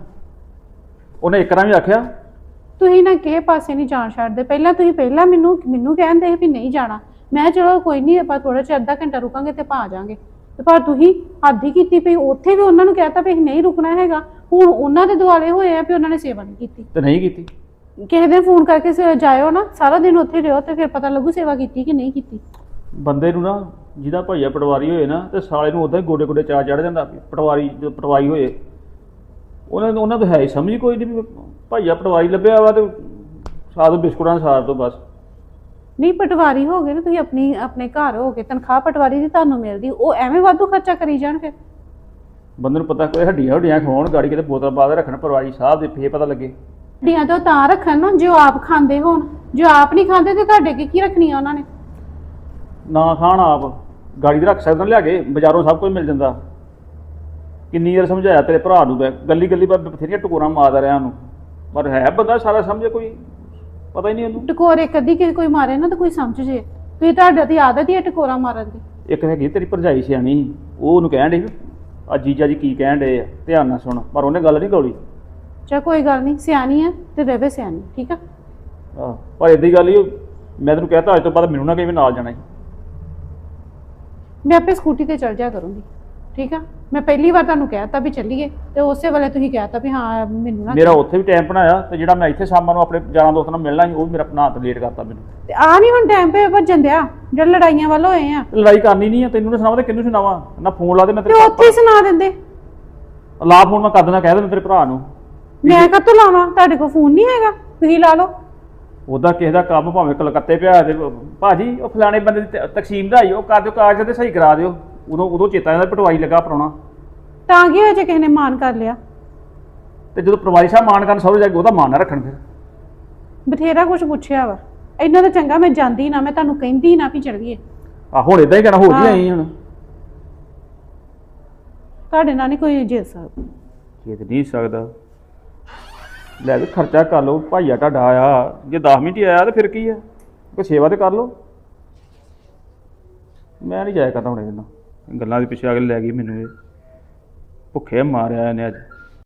ਉਹਨੇ ਇੱਕ ਵਾਰ ਵੀ ਆਖਿਆ
ਤੁਸੀਂ ਨਾ ਕਿਸੇ ਪਾਸੇ ਨਹੀਂ ਜਾਣ ਛੱਡਦੇ। ਪਹਿਲਾਂ ਤੁਸੀਂ ਪਹਿਲਾਂ ਮੈਨੂੰ ਮੈਨੂੰ ਕਹਿੰਦੇ ਸੀ ਵੀ ਨਹੀਂ ਜਾਣਾ, ਮੈਂ ਚਲੋ ਕੋਈ ਨਹੀਂ ਆਪਾਂ ਥੋੜਾ ਜਿਹਾ ਅੱਧਾ ਘੰਟਾ ਰੁਕਾਂਗੇ ਤੇ ਪਾ ਜਾਾਂਗੇ, ਤੇ ਪਰ ਤੁਸੀਂ ਹੱਦ ਹੀ ਕੀਤੀ ਪਈ। ਉੱਥੇ ਵੀ ਉਹਨਾਂ ਨੂੰ ਕਹਿਤਾ ਵੀ ਨਹੀਂ ਰੁਕਣਾ ਹੈਗਾ, ਹੁਣ ਉਹਨਾਂ ਦੇ ਦੁਆਲੇ ਹੋਏ ਆ ਵੀ ਉਹਨਾਂ ਨੇ ਸੇਵਾ ਨਹੀਂ ਕੀਤੀ।
ਤੇ ਨਹੀਂ ਕੀਤੀ।
ਕਿਸੇ ਦਿਨ ਫੋਨ ਕਰਕੇ ਸ- ਜਾਇਓ ਨਾ, ਸਾਰਾ ਦਿਨ ਉੱਥੇ ਰਹੋ ਤੇ ਫਿਰ ਪਤਾ ਲੱਗੂ ਸੇਵਾ ਕੀਤੀ ਕਿ ਨਹੀਂ ਕੀਤੀ।
ਬੰਦੇ ਨੂੰ ਨਾ ਜਿਹਦਾ ਭਾਈਆ ਪਟਵਾਰੀ ਹੋਏ ਨਾ, ਤੇ ਸਾਲੇ ਨੂੰ ਉਦਾਂ ਹੀ ਗੋਡੇ ਗੋਡੇ ਚਾਹ ਚੜ ਜਾਂਦਾ ਵੀ ਪਟਵਾਰੀ ਜਦੋਂ ਪਟਵਾਰੀ ਹੋਏ। ਉਹਨਾਂ ਨੂੰ ਉਹਨਾਂ ਤੋਂ ਹੈ ਹੀ ਸਮਝ ਕੋਈ ਨਹੀਂ ਵੀ ਭਾਈਆ ਪਟਵਾਰੀ ਲੱਭਿਆ ਵਾ ਤੇ ਸਾਧ ਬਿਸਕੁਟਾਂ ਸਾਰ ਤੋਂ ਬਸ।
ਨਹੀਂ ਪਟਵਾਰੀ ਹੋ ਗਏ ਨਾ ਤੁਸੀਂ, ਆਪਣੀ ਆਪਣੇ ਘਰ ਹੋ ਕੇ ਤਨਖਾਹ ਪਟਵਾਰੀ ਦੀ ਤੁਹਾਨੂੰ ਮਿਲਦੀ, ਉਹ ਐਵੇਂ ਵਾਧੂ ਖਰਚਾ ਕਰੀ ਜਾਣ। ਫਿਰ
ਬੰਦੇ ਨੂੰ ਪਤਾ ਕੋਈ ਹੱਡੀਆਂ ਹੱਡੀਆਂ ਖਵਾਉਣ ਗਾੜੀ ਕਿਤੇ ਬੋਤਲ ਪਾ ਕੇ ਰੱਖਣ ਪਟਵਾਰੀ ਸਾਹਿਬ ਦੇ, ਫੇਰ ਪਤਾ ਲੱਗੇ।
ਹੱਡੀਆਂ ਤਾਂ ਉਹ ਤਾਂ ਰੱਖਣ ਨਾ ਜੋ ਆਪ ਖਾਂਦੇ ਹੋਣ, ਜੋ ਆਪ ਨਹੀਂ ਖਾਂਦੇ ਤੇ ਤੁਹਾਡੇ ਕੀ ਕੀ ਰੱਖਣੀਆਂ ਉਹਨਾਂ ਨੇ?
ਨਾ ਖਾਣ ਆਪ ਗਾੜੀ ਦੇ ਰੱਖ ਸਕਦਾ, ਲਿਆ ਕੇ ਬਾਜ਼ਾਰੋਂ ਸਭ ਕੁਝ ਮਿਲ ਜਾਂਦਾ। ਕਿੰਨੀ ਵਾਰ ਸਮਝਾਇਆ ਤੇਰੇ ਭਰਾ ਨੂੰ, ਗੱਲੀ ਗੱਲੀ ਪਰ ਬਥੇਰੀਆਂ ਟਕੋਰਾਂ ਮਾਰਦਾ ਰਿਹਾ ਉਹਨੂੰ, ਪਰ ਹੈ ਬੰਦਾ ਸਾਰਾ ਸਮਝੇ, ਕੋਈ ਪਤਾ ਹੀ ਨਹੀਂ ਉਹਨੂੰ।
ਟਕੋਰੇ ਕਦੀ ਕਿਸੇ ਕੋਈ ਮਾਰੇ ਨਾ ਤਾਂ ਕੋਈ ਸਮਝ ਜੇ, ਤੁਸੀਂ ਤੁਹਾਡੇ ਦੀ ਆਦਤ ਹੀ ਹੈ ਟਕੋਰਾ ਮਾਰਨ ਦੀ।
ਇੱਕ ਹੈਗੀ ਤੇਰੀ ਭਰਜਾਈ ਸਿਆਣੀ, ਉਹ ਉਹਨੂੰ ਕਹਿਣ ਡੇ ਆ ਜੀਜਾ ਜੀ ਕੀ ਕਹਿਣ ਡੇ ਆ, ਧਿਆਨ ਨਾਲ ਸੁਣ, ਪਰ ਉਹਨੇ ਗੱਲ ਨਹੀਂ ਗੌਲੀ।
ਚਾ ਕੋਈ ਗੱਲ ਨਹੀਂ, ਸਿਆਣੀ ਹੈ ਤੇ ਰਵੇ ਸਿਆਣੀ, ਠੀਕ ਆ।
ਆਹ ਪਰ ਏਦਾਂ ਹੀ ਗੱਲ ਹੀ, ਮੈਂ ਤੈਨੂੰ ਕਹਿਤਾ ਅੱਜ ਤੋਂ ਬਾਅਦ ਮੈਨੂੰ ਨਾ ਕਹੀ ਵੀ ਨਾਲ ਜਾਣਾ ਸੀ।
ਮੈਂ ਆਪੇ ਸਕੂਟੀ ਤੇ ਚਲ ਜਾ ਕਰੂੰਗੀ, ਠੀਕ ਆ। ਮੈਂ ਪਹਿਲੀ ਵਾਰ ਤੁਹਾਨੂੰ ਕਹਿਤਾ ਵੀ ਚੱਲੀਏ, ਤੇ ਉਸੇ ਵੇਲੇ ਤੁਸੀਂ ਕਹਿਤਾ ਵੀ ਹਾਂ ਮੈਨੂੰ ਨਾ।
ਮੇਰਾ ਉੱਥੇ ਵੀ ਟਾਈਮ ਬਣਾਇਆ, ਤੇ ਜਿਹੜਾ ਮੈਂ ਇੱਥੇ ਸ਼ਾਮਾਂ ਨੂੰ ਆਪਣੇ ਯਾਰਾਂ ਦੋਸਤਾਂ ਨਾਲ ਮਿਲਣਾ ਸੀ, ਉਹ ਵੀ ਮੇਰਾ ਬਣਾ ਤੇ ਲੇਟ ਕਰਤਾ ਮੈਨੂੰ।
ਤੇ ਆ ਨਹੀਂ ਹੁਣ ਟਾਈਮ ਪੇ ਭੱਜਣ ਦਿਆ, ਜਿਹੜੇ ਲੜਾਈਆਂ ਵੱਲ ਹੋਏ ਆ।
ਲੜਾਈ ਕਰਨੀ ਨਹੀਂ ਆ, ਤੈਨੂੰ ਨਾ ਸੁਣਾਵਾਂ ਤੇ ਕਿਹਨੂੰ ਸੁਣਾਵਾਂ? ਨਾ ਫੋਨ ਲਾ ਦੇ ਮੈਂ
ਤੇ
ਤੇਰੇ
ਉੱਥੇ ਹੀ ਸੁਣਾ ਦਿੰਦੇ।
ਲਾ ਫੋਨ ਮੈਂ ਕਰ ਦੇਣਾ, ਕਹਿ ਦੇਣਾ ਤੇਰੇ ਭਰਾ ਨੂੰ।
ਮੈਂ ਕਾਹਤੋਂ ਲਾਵਾਂ? ਤੁਹਾਡੇ ਕੋਲ ਫੋਨ ਨਹੀਂ ਹੈਗਾ, ਤੁਸੀਂ ਲਾ ਲਓ।
ਉਹਦਾ ਕਿਸੇ ਦਾ ਕੰਮ ਭਾਵੇਂ ਕਲਕੱਤੇ ਪਿਆ ਤੇ ਭਾਜੀ ਉਹ ਫਲਾਣੇ ਬੰਦੇ ਦੀ ਤ- ਤਕਸੀਮ ਦਾ ਹੀ ਉਹ ਕਰ ਦਿਓ, ਕਾਗਜ਼ ਤੇ ਸਹੀ ਕਰਾ ਦਿਓ। ਉਦੋਂ ਉਦੋਂ ਚੇਤਾ ਜਾਂਦਾ ਪਟਵਾਰੀ ਲੱਗਾ ਪਰਾਉਣਾ,
ਤਾਂ ਕੀ ਹੋਇਆ ਜੇ ਕਿਸੇ ਨੇ ਮਾਨ ਕਰ ਲਿਆ?
ਤੇ ਜਦੋਂ ਪਟਵਾਰੀ ਸਾਹਿਬ ਮਾਨ ਕਰਨ ਸਹੁਰੇ ਜਾ ਕੇ ਉਹਦਾ ਮਾਨ ਨਾ ਰੱਖਣ। ਫਿਰ
ਬਥੇਰਾ ਕੁਝ ਪੁੱਛਿਆ ਵਾ, ਇੰਨਾ ਤਾਂ ਚੰਗਾ ਮੈਂ ਜਾਂਦੀ ਨਾ, ਮੈਂ ਤੁਹਾਨੂੰ ਕਹਿੰਦੀ ਨਾ ਵੀ ਚੱਲੀਏ।
ਆ ਹੁਣ ਇਦਾਂ ਹੀ ਕਹਿਣਾ, ਹੋ ਜੀ ਆਈ ਹੁਣ।
ਤੁਹਾਡੇ ਨਾਲ ਨਹੀਂ ਕੋਈ ਜਿੱਤ ਸਕਦਾ।
ਜਿੱਤ ਨਹੀਂ ਸਕਦਾ, ਲੈ ਵੀ ਖਰਚਾ ਕਰ ਲਓ, ਭਾਈਆ ਤੁਹਾਡਾ ਆਇਆ, ਜੇ ਦਸ ਮਿੰਟ ਹੀ ਆਇਆ ਤੇ ਫਿਰ ਕੀ ਆ, ਕੋਈ ਸੇਵਾ ਤੇ ਕਰ ਲਓ। ਮੈਂ ਨਹੀਂ ਜਾਇਆ ਕਰਦਾ ਹੁਣ ਇਹਨਾਂ ਗੱਲਾਂ ਦੇ ਪਿੱਛੇ ਆ ਕੇ ਲੈ ਗਈ ਮੈਨੂੰ ਇਹ, ਭੁੱਖੇ ਮਾਰਿਆ ਇਹਨੇ ਅੱਜ।